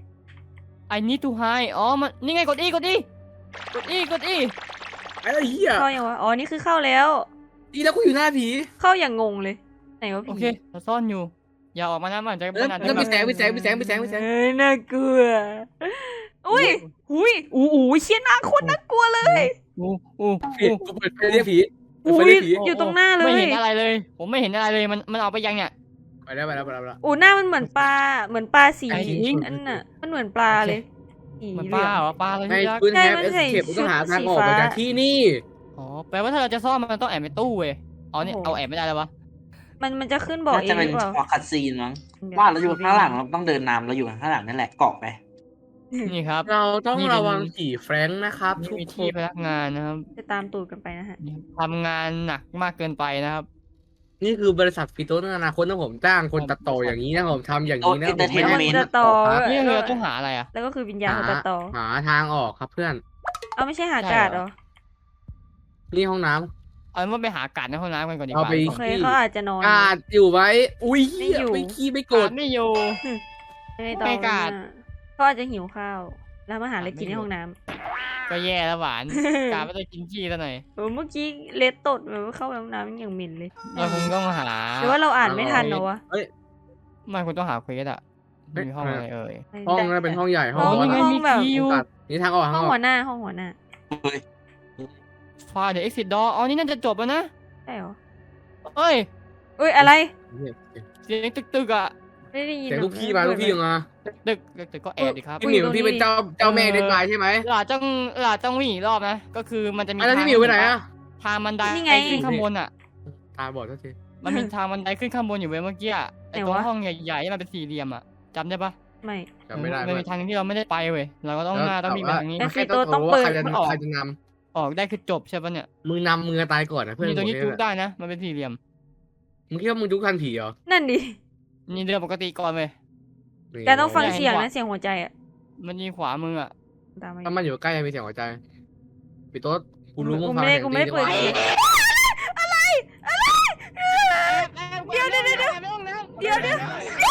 [SPEAKER 2] I need to hide อ๋อมันนี่ไงกดอีกดอีกดอีกดอี
[SPEAKER 3] ไอ้เหี้ย
[SPEAKER 5] เข้ายังวะอ๋อนี่คือเข้าแล้ว
[SPEAKER 3] ดีแล้วกูอยู่หน้าผี
[SPEAKER 5] เข้าอย่างงงเลยไหนวะ
[SPEAKER 2] โอ
[SPEAKER 5] ผี
[SPEAKER 2] เคเราซ่อนอยู่ อย่าออกมานะมันจะ
[SPEAKER 3] แล้ว
[SPEAKER 2] มันอาจ
[SPEAKER 3] แล้ว
[SPEAKER 2] จะ
[SPEAKER 3] มีแสงมีแสงมีแสงมีแสงมีแสง
[SPEAKER 5] เอ้ยน่ากลัวอุ้ยอุ้ยอู้หูเชี่ยน่าโคตรน่ากลัวเลย
[SPEAKER 2] อู้อู้
[SPEAKER 3] ผี
[SPEAKER 2] อู้
[SPEAKER 3] กูเปิดไฟเรียกผีเปิด
[SPEAKER 5] อุ้
[SPEAKER 3] ไฟ
[SPEAKER 5] ย
[SPEAKER 3] เรียกผี
[SPEAKER 5] อยู่ตรงหน้าเล
[SPEAKER 2] ไม่
[SPEAKER 5] ย
[SPEAKER 2] เห็นอะไรเลย ผมไม่เห็นอะไรเลยมันมันออกไปยังเนี่ย
[SPEAKER 3] ไปแล้วไปแล้วไปแล้วไปแล้ว
[SPEAKER 5] โอ้หน้ามันเหมือนปลาเหมือนปลาสี
[SPEAKER 2] ไอ้ทิ้ง
[SPEAKER 5] อันน่ะมันเหมือนปลาเลยสี
[SPEAKER 2] มัน
[SPEAKER 5] เห
[SPEAKER 2] ป
[SPEAKER 5] ลื
[SPEAKER 2] ลา
[SPEAKER 5] อง
[SPEAKER 2] เหรอปลาอะไร
[SPEAKER 3] ใน
[SPEAKER 2] ที่รัก
[SPEAKER 3] คุณ
[SPEAKER 5] ใช่
[SPEAKER 3] แฮป
[SPEAKER 5] มัน
[SPEAKER 3] เอส
[SPEAKER 5] ใส่
[SPEAKER 3] เคปต้องหาทางออก
[SPEAKER 5] สีฟ้า
[SPEAKER 3] มาจากที่นี่
[SPEAKER 2] อ๋อแปลว่าถ้าเราจะซ่อนมันต้องแอบในตู้เว้ยอ๋อเนี่ยเอาแอบไม่ได้แล้ววะ
[SPEAKER 5] มันมันจะขึ้นบอก
[SPEAKER 4] น่า
[SPEAKER 5] เอ
[SPEAKER 4] จะ
[SPEAKER 5] งห
[SPEAKER 4] เป็น
[SPEAKER 5] รือเปล่า
[SPEAKER 4] พอคัดซีนมั้งว่าเราอยู่ข้างหลังเราต้องเดินนำเราอยู่ข้างหลังนั่นแหละเกาะไป
[SPEAKER 2] นี่ครับ
[SPEAKER 3] เราต้อง
[SPEAKER 2] นี่เป็น
[SPEAKER 3] ระวังผีแฟรงค์นะครับ
[SPEAKER 2] นี่
[SPEAKER 3] ทุก
[SPEAKER 2] มี
[SPEAKER 3] ค
[SPEAKER 2] ที่
[SPEAKER 3] น
[SPEAKER 2] พนักงานนะครับ
[SPEAKER 5] จะตามตูดกันไปนะฮะ
[SPEAKER 2] นี่ทำงานหนักมากเกินไปนะครับ
[SPEAKER 3] นี่คือบริษัทฟิโต้ในอนาคตนะผมจ้างคนตัดต่ออย่างนี้นะผมทำอย่างนี้นะผม
[SPEAKER 4] โอ้
[SPEAKER 3] ไม่ได้
[SPEAKER 4] entertainment
[SPEAKER 5] จะต่อ
[SPEAKER 3] ครับ
[SPEAKER 2] นี่คือเราต้องหาอะไรอ่ะ
[SPEAKER 5] แล้วก็คือวิญญาณของตาต่อ
[SPEAKER 3] หาทางออกครับเพื่อน
[SPEAKER 5] เอาไม่ใช่หา
[SPEAKER 2] ใช่
[SPEAKER 5] กาด
[SPEAKER 2] เห
[SPEAKER 5] เห
[SPEAKER 2] ร
[SPEAKER 5] ร
[SPEAKER 2] อ
[SPEAKER 5] อ
[SPEAKER 3] นี่ห้องน้ำ
[SPEAKER 2] เอาเป็นว่าไปหากาดในห้องน้ำกันก่อนดีก
[SPEAKER 3] เอา
[SPEAKER 2] ว่า
[SPEAKER 3] ไป
[SPEAKER 5] โอเคเขาอาจจะนอน
[SPEAKER 3] กาดอยู่ไว้ อุ้ย
[SPEAKER 5] ไม่อยู่
[SPEAKER 3] ไม่ขี้ไม่โก
[SPEAKER 2] การ
[SPEAKER 3] ธ
[SPEAKER 2] ดไม่อยู่
[SPEAKER 5] ไม่ต่อ
[SPEAKER 2] ไม่กาด
[SPEAKER 5] นะเขาอาจจะหิวข้าว แล้วมาหาอะไรกินในห้องน้ำ
[SPEAKER 2] ก็แย่แล้วหวาน กาดไม่ได้กินขี้ซะหน่อย
[SPEAKER 5] โอ้เมื่อกี้เลดตดแบบว่าเข้าไปห้องน้ำมันอย่างหมิ่นเลย
[SPEAKER 2] เราคงต้องหา
[SPEAKER 5] หรือว่าเราอ่านไม่ทันเหรอวะ
[SPEAKER 2] ไม่คุณต้องหาเควสอ่ะมีห้องอะไรเอ่ย
[SPEAKER 3] ห้องนั้นเป็นห้องใหญ่ห้
[SPEAKER 2] อ๋
[SPEAKER 3] อ
[SPEAKER 2] อง นี่ไง
[SPEAKER 3] ว่า
[SPEAKER 2] มี
[SPEAKER 5] แบบ
[SPEAKER 2] คิว
[SPEAKER 3] กัดนี่ทางออกทาง
[SPEAKER 5] ห้อง
[SPEAKER 3] ออ
[SPEAKER 5] หั
[SPEAKER 3] ก
[SPEAKER 5] วหน้าห้องหัวหน้า
[SPEAKER 4] เฮ้ย
[SPEAKER 2] ฟาเดอะเอ็กซิดดออ๋อนี่น่าจะจบแล้วนะ
[SPEAKER 5] ใช่เหรอ
[SPEAKER 2] เอ้ย
[SPEAKER 5] เอ้ยอะไร
[SPEAKER 2] เสียงตึกๆอ่ะ
[SPEAKER 5] ไม่ได้ยิน
[SPEAKER 3] เสียง
[SPEAKER 5] หรอ
[SPEAKER 3] ลูกพี่มาลูกพี่มา
[SPEAKER 2] ตึกตึกก็แอบดิครับ
[SPEAKER 3] พี่หมิวพี่เป็นเจ้าเจ้าแม่เด็กไม้ใช่ไหม
[SPEAKER 2] หลาต้องหลาต้องวิ่งอีกรอบนะก็คือมันจะมี
[SPEAKER 3] แล้วพี่หมิวไปไหนอะ
[SPEAKER 2] ทางบันได
[SPEAKER 5] นี่ไง
[SPEAKER 2] ขึ้นข้างบนอ่ะ
[SPEAKER 3] ตาบอดทุกที
[SPEAKER 2] มันมีทางบันไดขึ้นข้างบนอยู่เว้ยเมื่อกี้อะไอ้ตรงห้องใหญ่ๆที่มันเป็นสี่เหลี่ยมอ่ะจำได้ปะ
[SPEAKER 5] ไม่
[SPEAKER 3] จำไม่ได้
[SPEAKER 2] มันมีทางที่เราไม่ได้ไปเว้ยเราก็ต้องหน้าต้องวิ่งไปทางนี้
[SPEAKER 5] แล้ว
[SPEAKER 3] แค่ต้องว่าใครจะใครจะน
[SPEAKER 2] ออกได้คือจบใช่ปะเนี่ย
[SPEAKER 3] ำมึงนำมือตายก่อนนะเพื่อน
[SPEAKER 2] นี่ตรงนี้
[SPEAKER 3] ผม
[SPEAKER 2] จุก
[SPEAKER 3] เนี่ย
[SPEAKER 2] ได้นะ มันเป็นสี่เหลี่ยม
[SPEAKER 3] มึงคิดว่ามึงจุกทันผีเหรอ
[SPEAKER 5] นั่นดิ
[SPEAKER 2] นี่เดินปกติก่อนเว้ย
[SPEAKER 5] แกต้องฟังเสียงนะเสียงหัวใจอ่ะ
[SPEAKER 2] มันยิงขวามืออ่ะ
[SPEAKER 5] ตามมา
[SPEAKER 3] ถ้ามันอยู่ใกล้จะมีเสียงหัวใจปีโต๊ดกูรู้มึง
[SPEAKER 5] กู
[SPEAKER 3] ฟัง
[SPEAKER 5] ไม่ได้
[SPEAKER 3] เสียง
[SPEAKER 5] กูไม่ได้
[SPEAKER 3] ดี
[SPEAKER 5] เปิด
[SPEAKER 3] กว่า
[SPEAKER 5] เสียง เดี๋ยวเดี๋ยวเดี๋ยวเดี๋ยวเดี๋ยวเดี๋ยว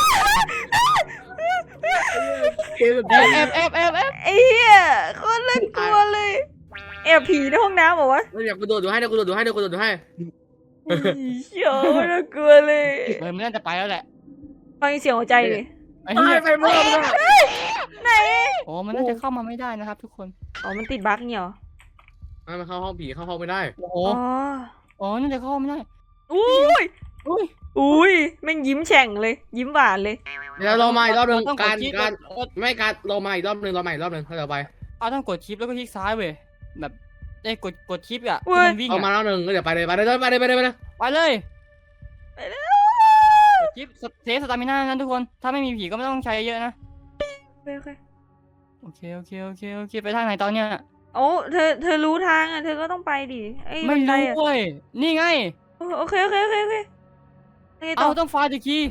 [SPEAKER 2] แอบแอบแอบแอบแอบ
[SPEAKER 5] ไอ้เหี้ยโคตรน่ากลัวเลยแอบผีในห้องน้ำเหรอวะ
[SPEAKER 3] เดี๋ยวกูโดดดูให้เดี๋ยวกูโดดดูให้เดี๋ยวกูโดดดูให้
[SPEAKER 5] เชี่ยวน่ากลัวเลย
[SPEAKER 2] เออมันน่าจะไปแล้วแหละ
[SPEAKER 5] ฟังเสียงหัวใจดิ
[SPEAKER 2] ไอ้
[SPEAKER 3] ตา
[SPEAKER 2] เหี้
[SPEAKER 3] ย
[SPEAKER 2] ย
[SPEAKER 3] ไปเมื่อไหร่
[SPEAKER 5] ไหน
[SPEAKER 2] โอ้มันน่าจะเข้ามาไม่ได้นะครับ ทุกคน
[SPEAKER 5] อ๋อมันติดบั๊กเนี่ยเหรอ
[SPEAKER 3] มันเข้าห้องผีเข้าห้องไม่ได้
[SPEAKER 2] โอ้โห
[SPEAKER 5] อ๋อ
[SPEAKER 2] อ๋อน่าจะเข้าไม่ได้
[SPEAKER 5] อุ้ย
[SPEAKER 2] อุ้ย
[SPEAKER 5] อุ้ยแม่งยิ้มแฉ่งเลย ยิ้มหวานเลย
[SPEAKER 3] เดี๋ยวเรามาอีกรอบหนึง
[SPEAKER 2] ต้องก
[SPEAKER 3] กา
[SPEAKER 2] ด
[SPEAKER 3] ร
[SPEAKER 2] คลิป
[SPEAKER 3] การไม่การเรามาอีกรอบหนึงเรามาอีกรอบหนึงถ้าเราไป
[SPEAKER 2] เอาต้องกดชิปแล้วก็คลิกซ้ายเว้ยแบบได้กดกดชิปอ่ะ
[SPEAKER 5] เว้
[SPEAKER 2] ที่
[SPEAKER 5] ย
[SPEAKER 2] มันวิ่ง
[SPEAKER 3] เอามา
[SPEAKER 2] อะ
[SPEAKER 3] รอบหนึงก็เดี๋ยวไปเลยไปเลยไปเลยไปเลยไปเลย
[SPEAKER 2] ไปเลย
[SPEAKER 5] ไปแล้ว
[SPEAKER 2] กดชิปเซฟสตามิน่านั้นทุกคนถ้าไม่มีผีก็ไม่ต้องใช้เยอะนะ
[SPEAKER 5] โอเค
[SPEAKER 2] โอเคโอเคโอเคโอเคไปทางไหนตอนเนี้ย
[SPEAKER 5] โอ้เธอเธอรู้ทางอ่ะเธอก็ต้องไปดิไอ้
[SPEAKER 2] ไม่
[SPEAKER 5] บันได
[SPEAKER 2] รู้
[SPEAKER 5] อะ
[SPEAKER 2] เว้ยนี่ไง
[SPEAKER 5] โอเคโอเคโอเคโอเคไงต่
[SPEAKER 2] เอา
[SPEAKER 5] อ
[SPEAKER 2] ต้องไฟล์ตะคี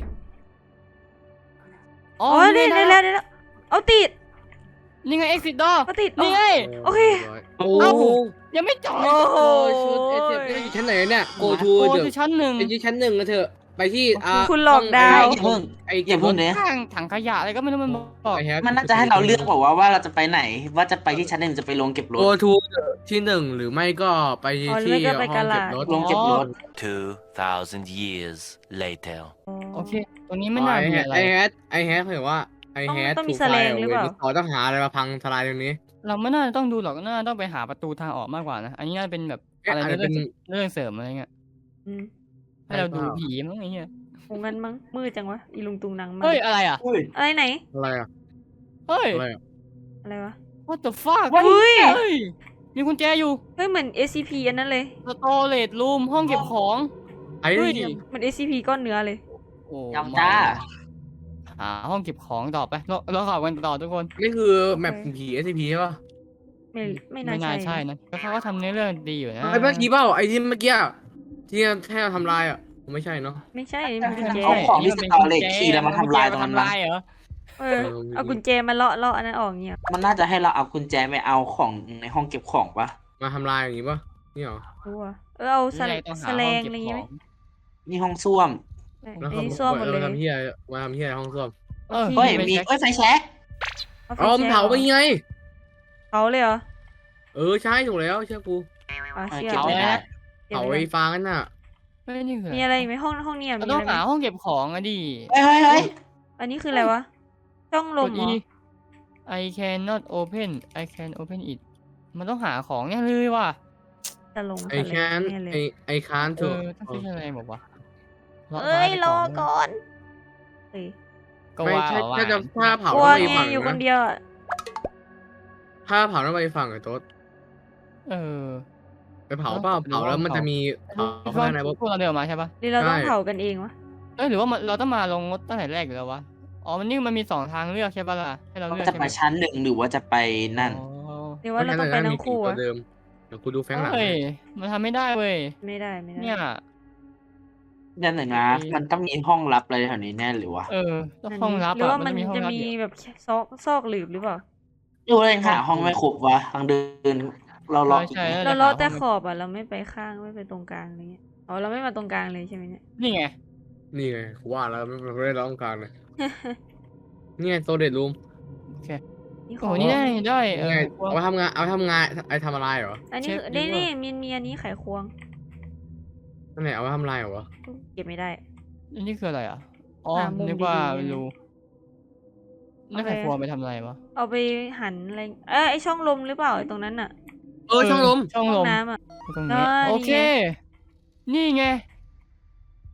[SPEAKER 2] อ๋อ
[SPEAKER 5] อ๋อ
[SPEAKER 2] นี่
[SPEAKER 5] ได้
[SPEAKER 2] ไง
[SPEAKER 5] ได้
[SPEAKER 2] ได้
[SPEAKER 5] แล้วได้แล้วเอาติด
[SPEAKER 2] นี่ไง exit door
[SPEAKER 5] เอาติด
[SPEAKER 2] นี่ไง
[SPEAKER 5] โอเค
[SPEAKER 3] โอ้
[SPEAKER 2] เอ้า
[SPEAKER 3] โห
[SPEAKER 2] ยังไม่จบ
[SPEAKER 5] โอ้โห
[SPEAKER 3] ชุดเอสเอฟอยู่ชั้นไหนเนี่ยโกทู
[SPEAKER 2] โอ้
[SPEAKER 3] เดี๋ยว
[SPEAKER 2] คือชั้นหนึ่ง
[SPEAKER 3] ไปที่ชั้นหนึ่งนะเถอะไปที่อ่า
[SPEAKER 5] คุณหลอกดาว
[SPEAKER 4] อย่าเพิ่ง
[SPEAKER 3] ไอ้
[SPEAKER 4] อย่าเพิ่งเนี้ย
[SPEAKER 2] ข้างถังขยะอะไรก็ไม่รู้มันบอก
[SPEAKER 3] ไอ้แฮก
[SPEAKER 4] มันน่าจะให้เราเลือกบอกว่าว่าเราจะไปไหน ว่าจะไปที่ชั้นหนึ่งจะไปลงเก็บรถ
[SPEAKER 3] โกทูที่หนึ่งหรือไม่ก็ไป
[SPEAKER 5] อ๋อหรือ
[SPEAKER 3] ที่
[SPEAKER 5] ไม่ก็ไป
[SPEAKER 3] ห้อง
[SPEAKER 5] กะลา
[SPEAKER 3] เก็บรถ
[SPEAKER 4] ลงเก็บรถ
[SPEAKER 6] Two thousand years later.
[SPEAKER 2] โอเคตรงนี้ไม่น่า
[SPEAKER 3] ไอ้
[SPEAKER 2] มี
[SPEAKER 3] แฮก
[SPEAKER 2] อะไร
[SPEAKER 3] ไอ้แฮกไอ้แฮกเห็นว่าไอ้แฮก
[SPEAKER 5] ต้องมี
[SPEAKER 3] ถูก
[SPEAKER 5] แสลงหรือเปล่า
[SPEAKER 3] ขอต้องหาอะไรมาพังทลายตรงนี้
[SPEAKER 2] เราไม่น่าจะต้องดูหรอกน่าจะต้องไปหาประตูทางออกมากกว่านะอันนี้น่าจะเป็นแบบ
[SPEAKER 3] เอ๊ะ
[SPEAKER 2] อะไร
[SPEAKER 3] อาจจะเป็
[SPEAKER 2] เรื่อน งเรื่องเสริมอะไรเงี้ย
[SPEAKER 5] อืม
[SPEAKER 2] ให้เราดู
[SPEAKER 3] ใช่เปล่า
[SPEAKER 2] ผีมั้งไอ้เงี้ย
[SPEAKER 5] คงงั้นมั้งมืดจังวะอีลุงตุงนังมา
[SPEAKER 2] เฮ้ยอะไรอ่ะ
[SPEAKER 4] อุ้ย
[SPEAKER 5] อะไรไหน
[SPEAKER 3] อะไรอ่ะ
[SPEAKER 2] เฮ้ย
[SPEAKER 3] อะไรอ่ะ
[SPEAKER 5] อะไรวะ
[SPEAKER 2] what the fuck
[SPEAKER 5] เฮ้ย
[SPEAKER 2] เฮ้ยมีกุญแจอยู่
[SPEAKER 5] เฮ้ยเหมือน เอส ซี พี อันนั้นเลย
[SPEAKER 2] storage room ห้องเก็บของ
[SPEAKER 3] ไอ้
[SPEAKER 2] เฮ้ย
[SPEAKER 5] เหมือน เอส ซี พี ก้อนเนื้อเลย
[SPEAKER 2] โอ้
[SPEAKER 4] ยำจ้า
[SPEAKER 2] หาห้องเก็บของต่อไปเราเราขับกันต่อทุกคน
[SPEAKER 3] นี่คือแมปผี เอส ซี พี ใช่ป่ะ
[SPEAKER 5] ไม่ไม่น่า
[SPEAKER 2] ไม่น่า
[SPEAKER 5] ใช่
[SPEAKER 2] ใช่นะแล้วเขาก็ทำเนื้อเรื่องดีอยู่นะ
[SPEAKER 3] ไอ้เมื่อกี้เปล่าไอ้ที่เมื่อกี้อะที่ให้เราทำลายอ่ะไม่ใช่เนาะ
[SPEAKER 5] ไม่ใช่มันกุญแจ
[SPEAKER 4] เอาของที่สตอเรจคีย์แล้วมาทำลายตรงนั้น
[SPEAKER 2] ทำลายเหรอ
[SPEAKER 5] เออเอากุญแจมาเลาะเลาะอันนั้นออกเงี้ย
[SPEAKER 4] มันน่าจะให้เราเอากุญแจไปเอาของในห้องเก็บของปะ
[SPEAKER 3] มาทำลายอย่างงี้ป่ะนี่เหรอ
[SPEAKER 5] รู้อ่ะเออเอาส
[SPEAKER 2] นี่
[SPEAKER 5] แล
[SPEAKER 2] ไงต้องหา
[SPEAKER 5] สแล
[SPEAKER 2] ห้อง
[SPEAKER 5] ง
[SPEAKER 2] เก็
[SPEAKER 5] อะ
[SPEAKER 2] บ
[SPEAKER 5] ไร
[SPEAKER 2] ข
[SPEAKER 5] เงี้ย
[SPEAKER 2] อ
[SPEAKER 5] ไหม
[SPEAKER 2] ง
[SPEAKER 4] นี่ห้องส้วม
[SPEAKER 3] แล้ว
[SPEAKER 5] อัน
[SPEAKER 3] เขา
[SPEAKER 5] นี้ส้วมหมดเลย
[SPEAKER 3] มาทำเฮียมาทำเฮียห้องส้วม
[SPEAKER 2] เออ
[SPEAKER 4] เฮ้ย
[SPEAKER 2] ไม่
[SPEAKER 4] มี
[SPEAKER 2] ใช่
[SPEAKER 4] เอ้ยไฟแช็ก
[SPEAKER 5] เอาไฟ
[SPEAKER 3] อ๋อมัน
[SPEAKER 5] แช็ก
[SPEAKER 3] เผาไปไง
[SPEAKER 5] เผาเลยเหรอ
[SPEAKER 3] เออใช่ถูกแล้วเชื่อกู
[SPEAKER 5] อ่ะ
[SPEAKER 4] เออ
[SPEAKER 5] เชี่ย
[SPEAKER 4] เก็บไม่ได้
[SPEAKER 5] เก็บ
[SPEAKER 3] เผา
[SPEAKER 5] ไว้
[SPEAKER 3] ไอ้
[SPEAKER 5] ก่อน
[SPEAKER 3] ฟางนั่นน่ะ
[SPEAKER 2] เฮ้ยนี่คือ
[SPEAKER 5] มี
[SPEAKER 2] อะ
[SPEAKER 5] อะไร ไรอีกไหมห้องห้องเนี้ย
[SPEAKER 2] เรา
[SPEAKER 5] มี
[SPEAKER 2] ต้อ
[SPEAKER 5] อะ
[SPEAKER 2] ง
[SPEAKER 5] ไรไหม
[SPEAKER 2] หาห้องเก็บของอะดิ
[SPEAKER 4] เฮ้ยเฮ้ยเฮ้ย
[SPEAKER 5] อันนี้คืออะไรวะช่องล
[SPEAKER 2] ก
[SPEAKER 5] ม
[SPEAKER 2] ด
[SPEAKER 5] เหร
[SPEAKER 2] E
[SPEAKER 5] อ
[SPEAKER 2] I cannot open I can open it มันต้องหาของเนี่ยเลยว่ะ
[SPEAKER 5] จะลง
[SPEAKER 3] ไอ้
[SPEAKER 5] ทะเล
[SPEAKER 3] แคน
[SPEAKER 5] แน่เลย
[SPEAKER 3] ไอ้ไอ้คาน
[SPEAKER 2] เอ
[SPEAKER 3] ถูก
[SPEAKER 2] อต้องใช้อะไรบอกว่า
[SPEAKER 5] เอ้ยรอก่อนเอ้ย
[SPEAKER 2] ก็
[SPEAKER 3] ไม่
[SPEAKER 2] ว่า
[SPEAKER 3] ใช่
[SPEAKER 2] ว่า
[SPEAKER 3] ถ้าจะถ้าเผาก
[SPEAKER 5] ลัว
[SPEAKER 3] ต้องไป
[SPEAKER 5] ไง
[SPEAKER 3] ฝั่ง
[SPEAKER 5] อยู่คน
[SPEAKER 3] นะ
[SPEAKER 5] เดียวอ่ะ
[SPEAKER 3] ถ้าเผาต้องไปฝั่งไอ้โต๊ด
[SPEAKER 2] เออ
[SPEAKER 3] ไปเผาเปล่าเผาแล้วมันจะมีเผา
[SPEAKER 2] พว
[SPEAKER 3] ข้างในปุ๊บ
[SPEAKER 2] กเราเดินมาใช่ปะ
[SPEAKER 5] หรือเราต้อง
[SPEAKER 3] ใช่
[SPEAKER 5] เผากันเองวะ
[SPEAKER 2] เอ้ยหรือว่ามันเราต้องมาลงรถตั้งแต่แรกอยู่แล้ววะอ๋อมันนี่มันมีสองทางเลือกใช่ปะล่ะให้เราเลือก
[SPEAKER 4] จะ
[SPEAKER 2] ใช่
[SPEAKER 4] ไป
[SPEAKER 2] ไหม
[SPEAKER 4] ชั้นหนึ่งหรือว่าจะไปนั่น
[SPEAKER 2] อ๋อ
[SPEAKER 5] หรือว่าเราต้องไปทั้งคู่
[SPEAKER 3] เพราะ
[SPEAKER 5] อะ
[SPEAKER 3] ฉะนั้นมีผีตัวเดิมเดี๋ยวกูดูแฟงหลัง
[SPEAKER 2] เฮ้ย
[SPEAKER 3] ให้
[SPEAKER 2] มันทำไม่ได้เว้ย
[SPEAKER 5] ไม่ได้ไม่ได้
[SPEAKER 2] เนี่ย
[SPEAKER 4] นั่นหนึ่งนะมันต้องมีห้องลับอะไรแถวนี้แน่หรือวะ
[SPEAKER 2] เออต้อง
[SPEAKER 5] นั่น
[SPEAKER 2] ห้องลับ
[SPEAKER 5] หรือ
[SPEAKER 2] อ่ะ
[SPEAKER 5] ว่า
[SPEAKER 2] มั
[SPEAKER 5] มัน น
[SPEAKER 2] จะมีห้อง
[SPEAKER 5] จะ
[SPEAKER 2] ลับ
[SPEAKER 5] มี
[SPEAKER 2] อยู่
[SPEAKER 5] แบบซอกซอกหลืบหรือเปล่า
[SPEAKER 4] ดูเลยหาห้องไม่ครบวะทางเดินเราล็อกอีก
[SPEAKER 2] ใช่
[SPEAKER 4] ไหม
[SPEAKER 2] ใช่
[SPEAKER 5] เราเลาะแต่
[SPEAKER 2] ห
[SPEAKER 5] ขอบอ่ะเราไม่ไปข้างไม่ไปตรงกลางอะไรเงี้ยอ๋อเราไม่มาตรงกลางเลยใช่ไหมเนี่ย
[SPEAKER 2] นี่ไง
[SPEAKER 3] นี่ไงกูว่าแล้วไม่ไม่ได้ร้องการเลยนี่ไงโซเดตรูม
[SPEAKER 5] นี่ข
[SPEAKER 2] โอ้
[SPEAKER 5] อง
[SPEAKER 2] นี่ได้ได้เอ
[SPEAKER 3] นี่
[SPEAKER 2] อ
[SPEAKER 3] ไงเอาไปทำงานเอาไปทำงานไอ้ทำอะไรเหรอ
[SPEAKER 5] อันนี้
[SPEAKER 2] เช็ค
[SPEAKER 5] คือ
[SPEAKER 2] ดี
[SPEAKER 5] นี่
[SPEAKER 2] กว่า
[SPEAKER 5] นี่มีมีอันนี้ไขควง
[SPEAKER 3] นั่นไหนเอาไปทำอะไรเหรอวะ
[SPEAKER 5] เก็บไม่ได้
[SPEAKER 2] อันนี้คืออะไรอ่ะอ๋อ
[SPEAKER 5] หามุม
[SPEAKER 2] นึกว่า
[SPEAKER 5] ดีๆ
[SPEAKER 2] เป็นรู
[SPEAKER 5] เอา
[SPEAKER 2] นั่น
[SPEAKER 5] ไป
[SPEAKER 2] ใครครัวไปทำอะไรวะ
[SPEAKER 5] เอาไปหันอะไรเอ้ยไอช่องลมหรือเปล่าไอตรงนั้นอ่ะ
[SPEAKER 3] เออช่องลม
[SPEAKER 2] ช่อง
[SPEAKER 5] ห้
[SPEAKER 2] ล
[SPEAKER 5] อง
[SPEAKER 2] ม
[SPEAKER 5] น้ำอ่ะ
[SPEAKER 2] ตรงนี้
[SPEAKER 5] ได้
[SPEAKER 2] โอเค นี่ไง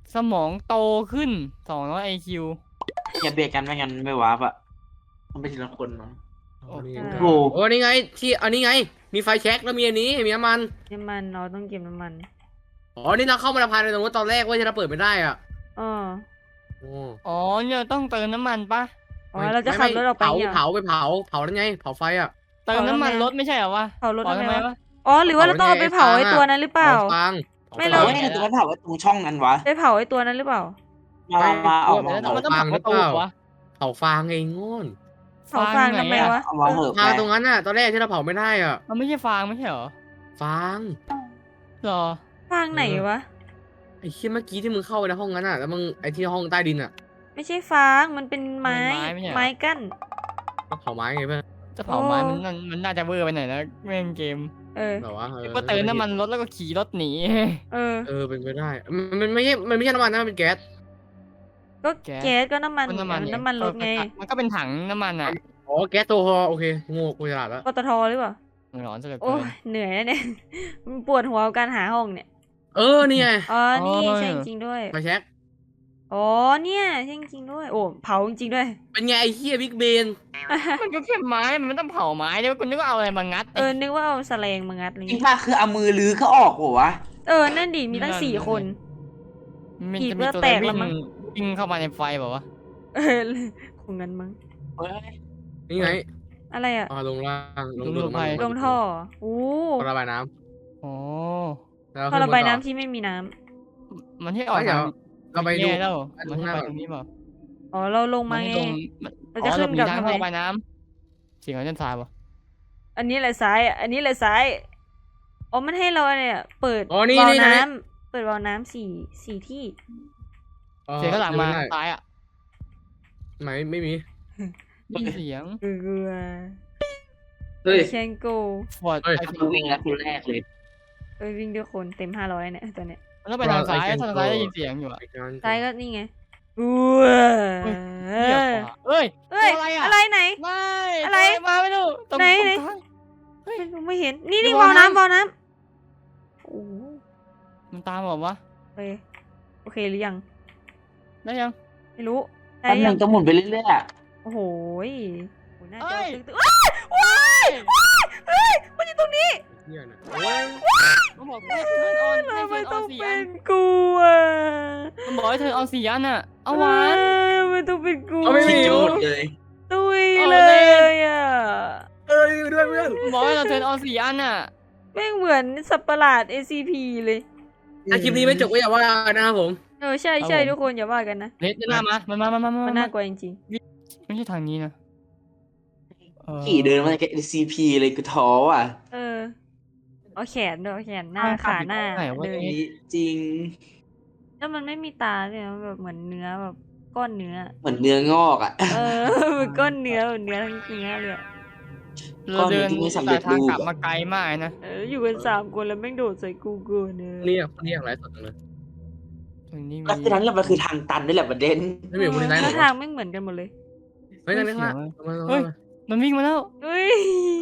[SPEAKER 2] สมองโตขึ้นสองร้อยไอคิว
[SPEAKER 4] อย่าเบียดกันไม่งั้นไม่วาร์ปอ่ะต้องไปทีละคนมั้ง
[SPEAKER 3] โอ้นี่
[SPEAKER 5] ใช่
[SPEAKER 4] โอ้
[SPEAKER 3] โอ้นี่ไงที่อันนี้ไง มีไฟแช็กแล้วมีอันนี้มีน้ำมัน
[SPEAKER 5] น้ำมันเราต้องเก็บน้ำมัน
[SPEAKER 3] อ๋อนี่เราเข้ามาในภายในตรงนู้นตอนแรกเว่าจะเราเปิดไม่ได้อ่ะ
[SPEAKER 5] อ๋อ
[SPEAKER 3] โอ้
[SPEAKER 2] อ๋อเนี่ยต้องเติมน้ำมันปะ
[SPEAKER 5] อ๋อเราจะขับรถออกไป
[SPEAKER 3] เผา
[SPEAKER 5] เนี่ย
[SPEAKER 3] เผาไปเผาเผาแล้วไงเผาไฟอ่ะ
[SPEAKER 2] เติมน้ำมันรถไม่ใช่เหรอวะ
[SPEAKER 5] เผารถ
[SPEAKER 2] เผา
[SPEAKER 5] ทำ
[SPEAKER 2] ทำ
[SPEAKER 5] ไม
[SPEAKER 2] ไม
[SPEAKER 5] วะ
[SPEAKER 2] วะ
[SPEAKER 5] อ๋อหรือว่าเราต้องเอาไปเผาไอ้ตัวนั้นหรือเปล่า
[SPEAKER 3] เผาฟาง
[SPEAKER 5] ไม่
[SPEAKER 4] เรา
[SPEAKER 5] เรา
[SPEAKER 4] ไม่ได้ตัวนั้นเผาไว้ตรงช่องนั้นวะ
[SPEAKER 5] ไปเผาไอ้ตัวนั้นหรือเปล่า
[SPEAKER 4] มามามาเอามา
[SPEAKER 2] แล้ว
[SPEAKER 4] เอา
[SPEAKER 2] มันต้องเผาประตูวะ
[SPEAKER 3] เผาฟางไงโง่น
[SPEAKER 5] เผาฟางทำไมวะ
[SPEAKER 4] เอามาเหอะ
[SPEAKER 3] ฟาง
[SPEAKER 4] แม่
[SPEAKER 3] ตรงนั้นน่ะตอนแรกที่เราเผาไม่ได้อ่ะ
[SPEAKER 2] มันไม่ใช่ฟางไม่ใช่เหรอ
[SPEAKER 3] ฟาง
[SPEAKER 2] หรอ
[SPEAKER 5] ฟางไหนวะ
[SPEAKER 3] ไอ้เชี่ยเมื่อกี้ที่มึงเข้าไปในห้องนั้นอ่ะแล้วมึงไอ้ที่ห้องใต้ดินอ่ะ
[SPEAKER 5] ไม่ใช่ฟาง มันเป็นไม้ ไม้กั้น
[SPEAKER 3] ก็เผาไม้ไงเพื่อน
[SPEAKER 2] จะเผาไม้
[SPEAKER 5] โอ้
[SPEAKER 2] มันน่ามันน่าจะเวอร์ไปหน่อยนะเล่นเกม
[SPEAKER 5] เออ
[SPEAKER 3] แบบว่าเออ
[SPEAKER 2] ก็เติมน้ำมันรถแล้วก็ขี่รถหนี
[SPEAKER 5] เออ
[SPEAKER 3] เออเป็นไปได้มันมันไม่ใช่มันไม่ใช่น้ำมันนะมันเป็นแก๊ส
[SPEAKER 5] ก็
[SPEAKER 2] แก๊ส
[SPEAKER 5] แก๊สก็น้ำมัน
[SPEAKER 2] ก็น้ำมัน
[SPEAKER 5] น้ำมันรถไง
[SPEAKER 2] มันก็เป็นถังน้ำมันอ่ะ
[SPEAKER 3] อ๋อแก๊สโซฮอล์โอเคโง่กูฉลาดแล้ว
[SPEAKER 5] ปตทหรือเปล่า
[SPEAKER 2] ร้อนซะเหลือ
[SPEAKER 5] โอ้
[SPEAKER 2] เกิน
[SPEAKER 5] ยเหนื่อยนะเนี่ย มันปวดหัวกับการหาห้องเนี่ย
[SPEAKER 3] เออนี่ไง
[SPEAKER 5] อ๋อ นี่
[SPEAKER 2] โอ้ย
[SPEAKER 5] ใช่จริงๆด้วย
[SPEAKER 3] ไฟแช็ก
[SPEAKER 5] อ๋อ เนี่ยใช่จริงๆด้วย โอ้ เผาจริงๆด้วย
[SPEAKER 3] เป็นไงไอ้เหี้ยบิ๊กเบน
[SPEAKER 2] มันก็แค่ไม้มันไม่ต้องเผาไม้เดี๋ยวคุณนึกว่าเอาอะไรมางัด
[SPEAKER 5] เออ นึกว่าเอาแสลงมางัดอะไร
[SPEAKER 4] จริง
[SPEAKER 5] เงี้ย
[SPEAKER 4] ป่ะคือเอามือลื้อก็ออกหัววะ
[SPEAKER 5] เออ นั่นดิ มีตั้งสี่คน
[SPEAKER 2] มัน
[SPEAKER 5] ขีด
[SPEAKER 2] จะ
[SPEAKER 5] เลื
[SPEAKER 2] มี
[SPEAKER 5] อด
[SPEAKER 2] ตัว
[SPEAKER 5] แต
[SPEAKER 2] อะไร
[SPEAKER 5] กแล้
[SPEAKER 2] วิ่
[SPEAKER 5] วมั้
[SPEAKER 2] ง
[SPEAKER 5] ง
[SPEAKER 2] วิ่งเข้ามาในไฟแบบว่า
[SPEAKER 5] เออ คงงั้นมั้ง
[SPEAKER 4] เฮ้ย
[SPEAKER 3] นี่ไง
[SPEAKER 5] อะไรอ่ะ
[SPEAKER 3] อ๋อลงล่างลง
[SPEAKER 2] ลงไป
[SPEAKER 5] ลงท่อโอ้
[SPEAKER 3] ระบายน้
[SPEAKER 2] อ๋อ
[SPEAKER 3] ำแล้ว
[SPEAKER 5] ท่อระบาย
[SPEAKER 3] ขึ้
[SPEAKER 5] น้ำ
[SPEAKER 3] ต่อ
[SPEAKER 5] ที่ไม่มีน้ำ
[SPEAKER 2] มันที่ออก
[SPEAKER 3] เดี๋
[SPEAKER 2] ทา
[SPEAKER 3] ยว
[SPEAKER 2] ง
[SPEAKER 3] เราไปดู
[SPEAKER 2] แย่แล้ว
[SPEAKER 3] ไปดู
[SPEAKER 2] มัน
[SPEAKER 3] ข้างห
[SPEAKER 2] ให้
[SPEAKER 3] น้า
[SPEAKER 2] ไป
[SPEAKER 3] ก่อน
[SPEAKER 2] ตรงนี้เปล่า
[SPEAKER 5] อ๋อ เราลง
[SPEAKER 2] มั
[SPEAKER 5] มาน
[SPEAKER 2] ให้
[SPEAKER 5] ไง
[SPEAKER 2] ลง
[SPEAKER 5] เราจะ
[SPEAKER 2] อ๋อ
[SPEAKER 5] ขึ้น
[SPEAKER 2] มี
[SPEAKER 5] กลับ
[SPEAKER 2] ทาง
[SPEAKER 5] ทำไม
[SPEAKER 2] ระบายน้ำเสียงของจันทรายปะ
[SPEAKER 5] อันนี้แหละซ้ายอ่ะอันนี้แหละซ้าย อ๋อ มันให้เราอะไรอ่ะ เปิด
[SPEAKER 3] อ๋อนี่
[SPEAKER 5] วาล์ว
[SPEAKER 3] นี่
[SPEAKER 5] น้
[SPEAKER 3] นี่
[SPEAKER 5] ำเปิดวาล์วน้ำสี่สี่ที่
[SPEAKER 2] เสียงข้างหลังมา
[SPEAKER 3] ไได้
[SPEAKER 2] ซ้ายอ่ะ
[SPEAKER 3] ไหนไม่มี
[SPEAKER 2] ได้ยินเสียง
[SPEAKER 5] เกลือ
[SPEAKER 4] เฮ้ย
[SPEAKER 5] เชนโก
[SPEAKER 2] ฟอร์ด
[SPEAKER 3] เฮ้ย
[SPEAKER 2] ไอ
[SPEAKER 4] กูวิ่งแล้วคนแรกเลย
[SPEAKER 5] เอ้ยวิ่งด้วยคนเต็มห้าร้อยเนี่ยตัวเนี้ย
[SPEAKER 2] มันต้องไปทางซ้าย
[SPEAKER 3] Well, I can
[SPEAKER 2] ทางซ้าย
[SPEAKER 3] go
[SPEAKER 2] ได้ยินเสียงอยู่อะ
[SPEAKER 3] ไปกัน
[SPEAKER 5] ซ้ายก็นี่ไงอู้ว
[SPEAKER 2] เหี้ยขวาเอ้ย
[SPEAKER 5] เอ้ย
[SPEAKER 2] ตัวอะไรอะ
[SPEAKER 5] อะไรไหน
[SPEAKER 2] ไม่
[SPEAKER 5] อะไร
[SPEAKER 2] ตัวมาไม่รู้ตรง
[SPEAKER 5] ไหน
[SPEAKER 2] ตรง
[SPEAKER 5] ไหน
[SPEAKER 2] กลาง
[SPEAKER 5] ไม่รู้ไม่เห็น นี่นี่
[SPEAKER 2] ดู
[SPEAKER 5] วาล์ว
[SPEAKER 2] น้ำ
[SPEAKER 5] น้ำวาล์วน้ำโอ้โห
[SPEAKER 2] มันตามบอกว่า
[SPEAKER 5] โอเคโอเคหรือยัง
[SPEAKER 2] ได้ยัง
[SPEAKER 5] ไม่รู้ได้
[SPEAKER 4] แป๊บห
[SPEAKER 5] ยั
[SPEAKER 4] นึ
[SPEAKER 5] ง
[SPEAKER 4] งต้องหมุนไปเรื่อยๆอะ
[SPEAKER 5] โอ้โหยโอ้หน้าจ
[SPEAKER 2] เอ้
[SPEAKER 5] อย ตึ๊กตึ๊กว้ายว้ายว้ายเฮ้ยมันอยู่ตรงนี้
[SPEAKER 3] เหี้ยน่ะโอ้ย
[SPEAKER 2] มันบอกให้เทิร์นออนให้
[SPEAKER 5] ทำไม
[SPEAKER 2] เทิร์นอ
[SPEAKER 5] ต้
[SPEAKER 2] อ
[SPEAKER 5] อน ง
[SPEAKER 2] สี่
[SPEAKER 5] เป็
[SPEAKER 2] อัน
[SPEAKER 5] นกูอ่ะ
[SPEAKER 2] มันบอกให้เทิร์นออนสี่อันน่ะเอาหวาน
[SPEAKER 5] เอ้ยมันต้องเป็นกู
[SPEAKER 3] เอาไม่
[SPEAKER 4] คิ
[SPEAKER 3] มี
[SPEAKER 4] ดจะหมดเลย
[SPEAKER 5] ตุย
[SPEAKER 2] เอา
[SPEAKER 5] เล
[SPEAKER 2] เล่น
[SPEAKER 5] ยอ่ะ
[SPEAKER 3] เอ้ยด้วยเพื่อน
[SPEAKER 2] มันบอกให้เราเทิร์นออนสี่อันน่ะ
[SPEAKER 5] แม่งเหมือนสัตว์ประหลาด เอ ซี พี เลย
[SPEAKER 3] ถ้าคลิปนี้ไม่จบก็อย่าว่านะครับผม
[SPEAKER 5] เออใช่ใช่ทุกคนอย่าว่ากันนะ
[SPEAKER 2] เลสหน้ามามันมามามามา
[SPEAKER 5] มัน
[SPEAKER 2] มา
[SPEAKER 5] น่ากลัวจริง
[SPEAKER 2] ไม่ใช่ทางนี้นะเออ
[SPEAKER 4] ขี่เดินมาจาก ซี พี เลยกูท้ออ่ะ
[SPEAKER 5] ๆ เออเอาแขนด้วยเอาแขนหน้า
[SPEAKER 2] ทางกลับ
[SPEAKER 5] ขาหน้า
[SPEAKER 2] อยู่ตรงไหนวะ
[SPEAKER 5] เดิน
[SPEAKER 4] นี่จริง
[SPEAKER 5] แล้วมันไม่มีตาเลยนะแบบเหมือนเนื้อแบบก้อนเนื้อ
[SPEAKER 4] เหมือนเนื้องอกอ่ะ
[SPEAKER 5] เออ เหมือนก้อนเนื้อเหมือนเนื้อทั้งเนื้อเลยอะ
[SPEAKER 2] เราเดิน
[SPEAKER 4] ก้อนเนื้อที่ไม่สำเร็
[SPEAKER 2] แต่
[SPEAKER 4] จ
[SPEAKER 2] ทาง
[SPEAKER 4] รูป
[SPEAKER 2] กลับ
[SPEAKER 4] อะ
[SPEAKER 2] มาไกลมากนะ
[SPEAKER 5] เอออยู่กันสามคนแล้วแม่งโดดใส่กูเกินเน
[SPEAKER 3] เรี
[SPEAKER 5] ย
[SPEAKER 3] ยกเรียกอะไรสดเลย
[SPEAKER 2] ตรงนี้มี
[SPEAKER 4] แล้วคือนั้นแหละมันคือทางตันนี่แหละประเด็น
[SPEAKER 3] ไม่มีคนที่ไหนหร
[SPEAKER 5] แล้ว
[SPEAKER 3] อ
[SPEAKER 5] ทางไม่งเหมือนกันหมดเลย
[SPEAKER 3] เฮ้ยนั่นนี่ละ
[SPEAKER 2] เฮ้ย มันวิ่งมาแล้ว
[SPEAKER 5] เฮ้ย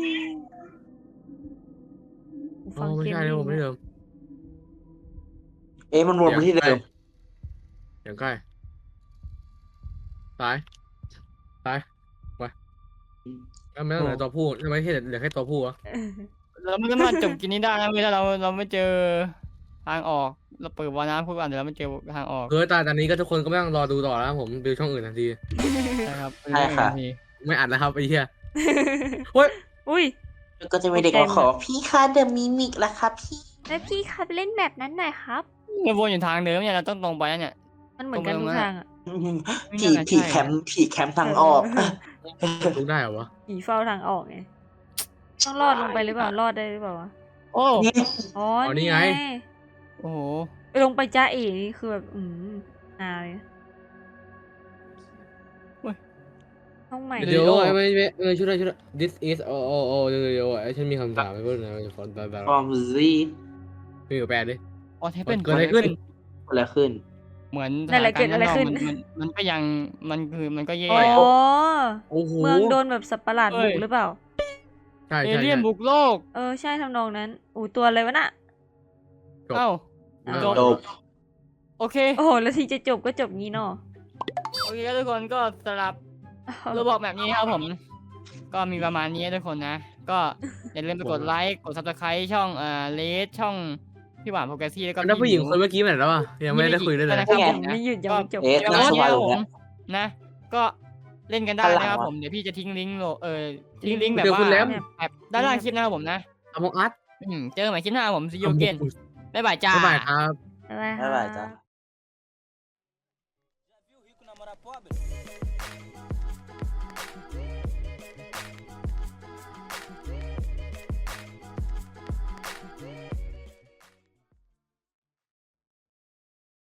[SPEAKER 3] อ๋อไม่ใช่เลยผมไม่เดิม
[SPEAKER 4] เอ๊ะมันวนมาที่เดิม
[SPEAKER 3] อย่างใกล้ซ้ายซ้ายไปแล้วไม่ต้องเหลือตัวผู้ทำไมแค่เหลือแค่ตัวผู้วะ
[SPEAKER 2] เราไม่สามารถจบกินนี้ได้นะเวลาเราเราไม่เจอทางออก เราเปิดวาล์วน้ำคุกก่อนเดี๋ยวเราไม่เจอทางออก
[SPEAKER 3] คือตอนตอนนี้ก็ทุกคนก็ไม่ต้องรอดูต่อแล้วครับผมดูช่องอื่นทันที
[SPEAKER 2] ใช่ครับ
[SPEAKER 4] ใช่ค่ะ
[SPEAKER 2] ที
[SPEAKER 3] ไม่อัดแล้วครับไอ้เหี้ยเฮ้ย
[SPEAKER 5] อุ้ย
[SPEAKER 4] แล้วก็จะมีเด็กมาขอพี่คะเดอะมิมิกละครับพี่
[SPEAKER 5] แล้วพี่ครับเล่นแบบนั้นหน่อยครับ
[SPEAKER 2] เราวนอยู่ทางเดิมเนี่ยเราต้องตรงไปนะเนี่ย
[SPEAKER 5] มันเหมือนกันทุกทางอ่ะ
[SPEAKER 4] ผีผีแคมป์ผีแคมป์ทางออก
[SPEAKER 3] ดูได้เหรอวะ
[SPEAKER 5] ผีเฝ้าทางออกไง ต้องรอดลงไปหรือเปล่า รอดได้หรือเปล่าวะ
[SPEAKER 2] โอ้
[SPEAKER 4] นี่
[SPEAKER 5] อ๋อ
[SPEAKER 3] อ๋อนี่
[SPEAKER 5] นี่
[SPEAKER 3] ไง
[SPEAKER 5] ไง
[SPEAKER 2] โอ้โห
[SPEAKER 5] ไปลงไปจ้าเอ๋นี่คือแบบ อืมนาเลยห้องใหม่
[SPEAKER 3] เดี๋ยวไม่ไม่เออช่วยด้วยช่วยด้วย this is โอ้โอ้โอ้เดี๋ยวเดี๋ยวไอ้ฉันมีคำถามให้เพื่อนนะฟอนต์ตาตา
[SPEAKER 4] ฟอร์มซี
[SPEAKER 3] มีอยู่แปดดิ
[SPEAKER 2] ออเทปเป็น
[SPEAKER 3] เกิดอะไรขึ้น
[SPEAKER 4] อะไรขึ้น
[SPEAKER 2] เหมือน
[SPEAKER 5] นั่นแหละเกิดอะไรขึ้น
[SPEAKER 2] สถานการณ์ข้างนอกมันมันมันก็ยังมันคือมันก็แย่
[SPEAKER 5] อ๋อ
[SPEAKER 2] อะ
[SPEAKER 3] โอ้โห
[SPEAKER 5] เมืองโดนแบบสัตว์ประหลาด
[SPEAKER 2] เอ้
[SPEAKER 5] บุ
[SPEAKER 2] ย
[SPEAKER 5] กหรือเปล่า
[SPEAKER 3] ใช่
[SPEAKER 2] เอ
[SPEAKER 3] ใช่
[SPEAKER 2] เลี่ยนบุกโลก
[SPEAKER 5] เออ ใช่ทำนองนั้นอู้ตัวอะไรวะน่ะ
[SPEAKER 3] จบ
[SPEAKER 2] เอ้า
[SPEAKER 3] ใช่
[SPEAKER 2] จบ
[SPEAKER 4] จบ
[SPEAKER 2] โอเค
[SPEAKER 5] โอ้โหแล้วทีจะจบก็จบงี้เนาะ
[SPEAKER 2] โอเคครับทุกคนก็สำหรับโรบอกแบบนี้ครับผม ก็มีประมาณนี้ทุกคนนะ ก็อย่าลืมไปกดไลค์กดซับสไครต์ช่องเอ่อเลสช่องพี่หวานโปรแกรสซี่แล้วก็
[SPEAKER 3] แล้วผู้หญิงคนเมื่อกี้ไปไหนแล้วอ่ะยังไม่ได้คุยด้วยเลย
[SPEAKER 2] นะครับผม
[SPEAKER 5] ไม่
[SPEAKER 2] นะ
[SPEAKER 5] หยุดยังไม่จบ
[SPEAKER 4] เอ๊ะ
[SPEAKER 2] เดี๋ยว
[SPEAKER 4] น่า
[SPEAKER 2] วัน
[SPEAKER 4] ส
[SPEAKER 2] นี้
[SPEAKER 4] บาย
[SPEAKER 2] ครับ
[SPEAKER 4] เล
[SPEAKER 2] ผ
[SPEAKER 4] ย
[SPEAKER 2] มนะ ก็เล่นกันได้นะครับผมเดี๋ยวพี่จะทิ้งลิงก์โลเออทิ้งลิงก์แบบ
[SPEAKER 3] เดี๋ยว
[SPEAKER 2] ว่า
[SPEAKER 3] คุณแรม
[SPEAKER 2] แบบด้านล่างคลิปนะครับผมนะ
[SPEAKER 3] อมองอัด
[SPEAKER 2] อืมเจอกันใหม่คลิปหน้าผมซีโอเกนบ๊ายบายจ้า
[SPEAKER 3] บ๊ายบายครับ
[SPEAKER 5] บ๊ายบาย
[SPEAKER 4] บ๊ายบายจ้า
[SPEAKER 5] ค่ะ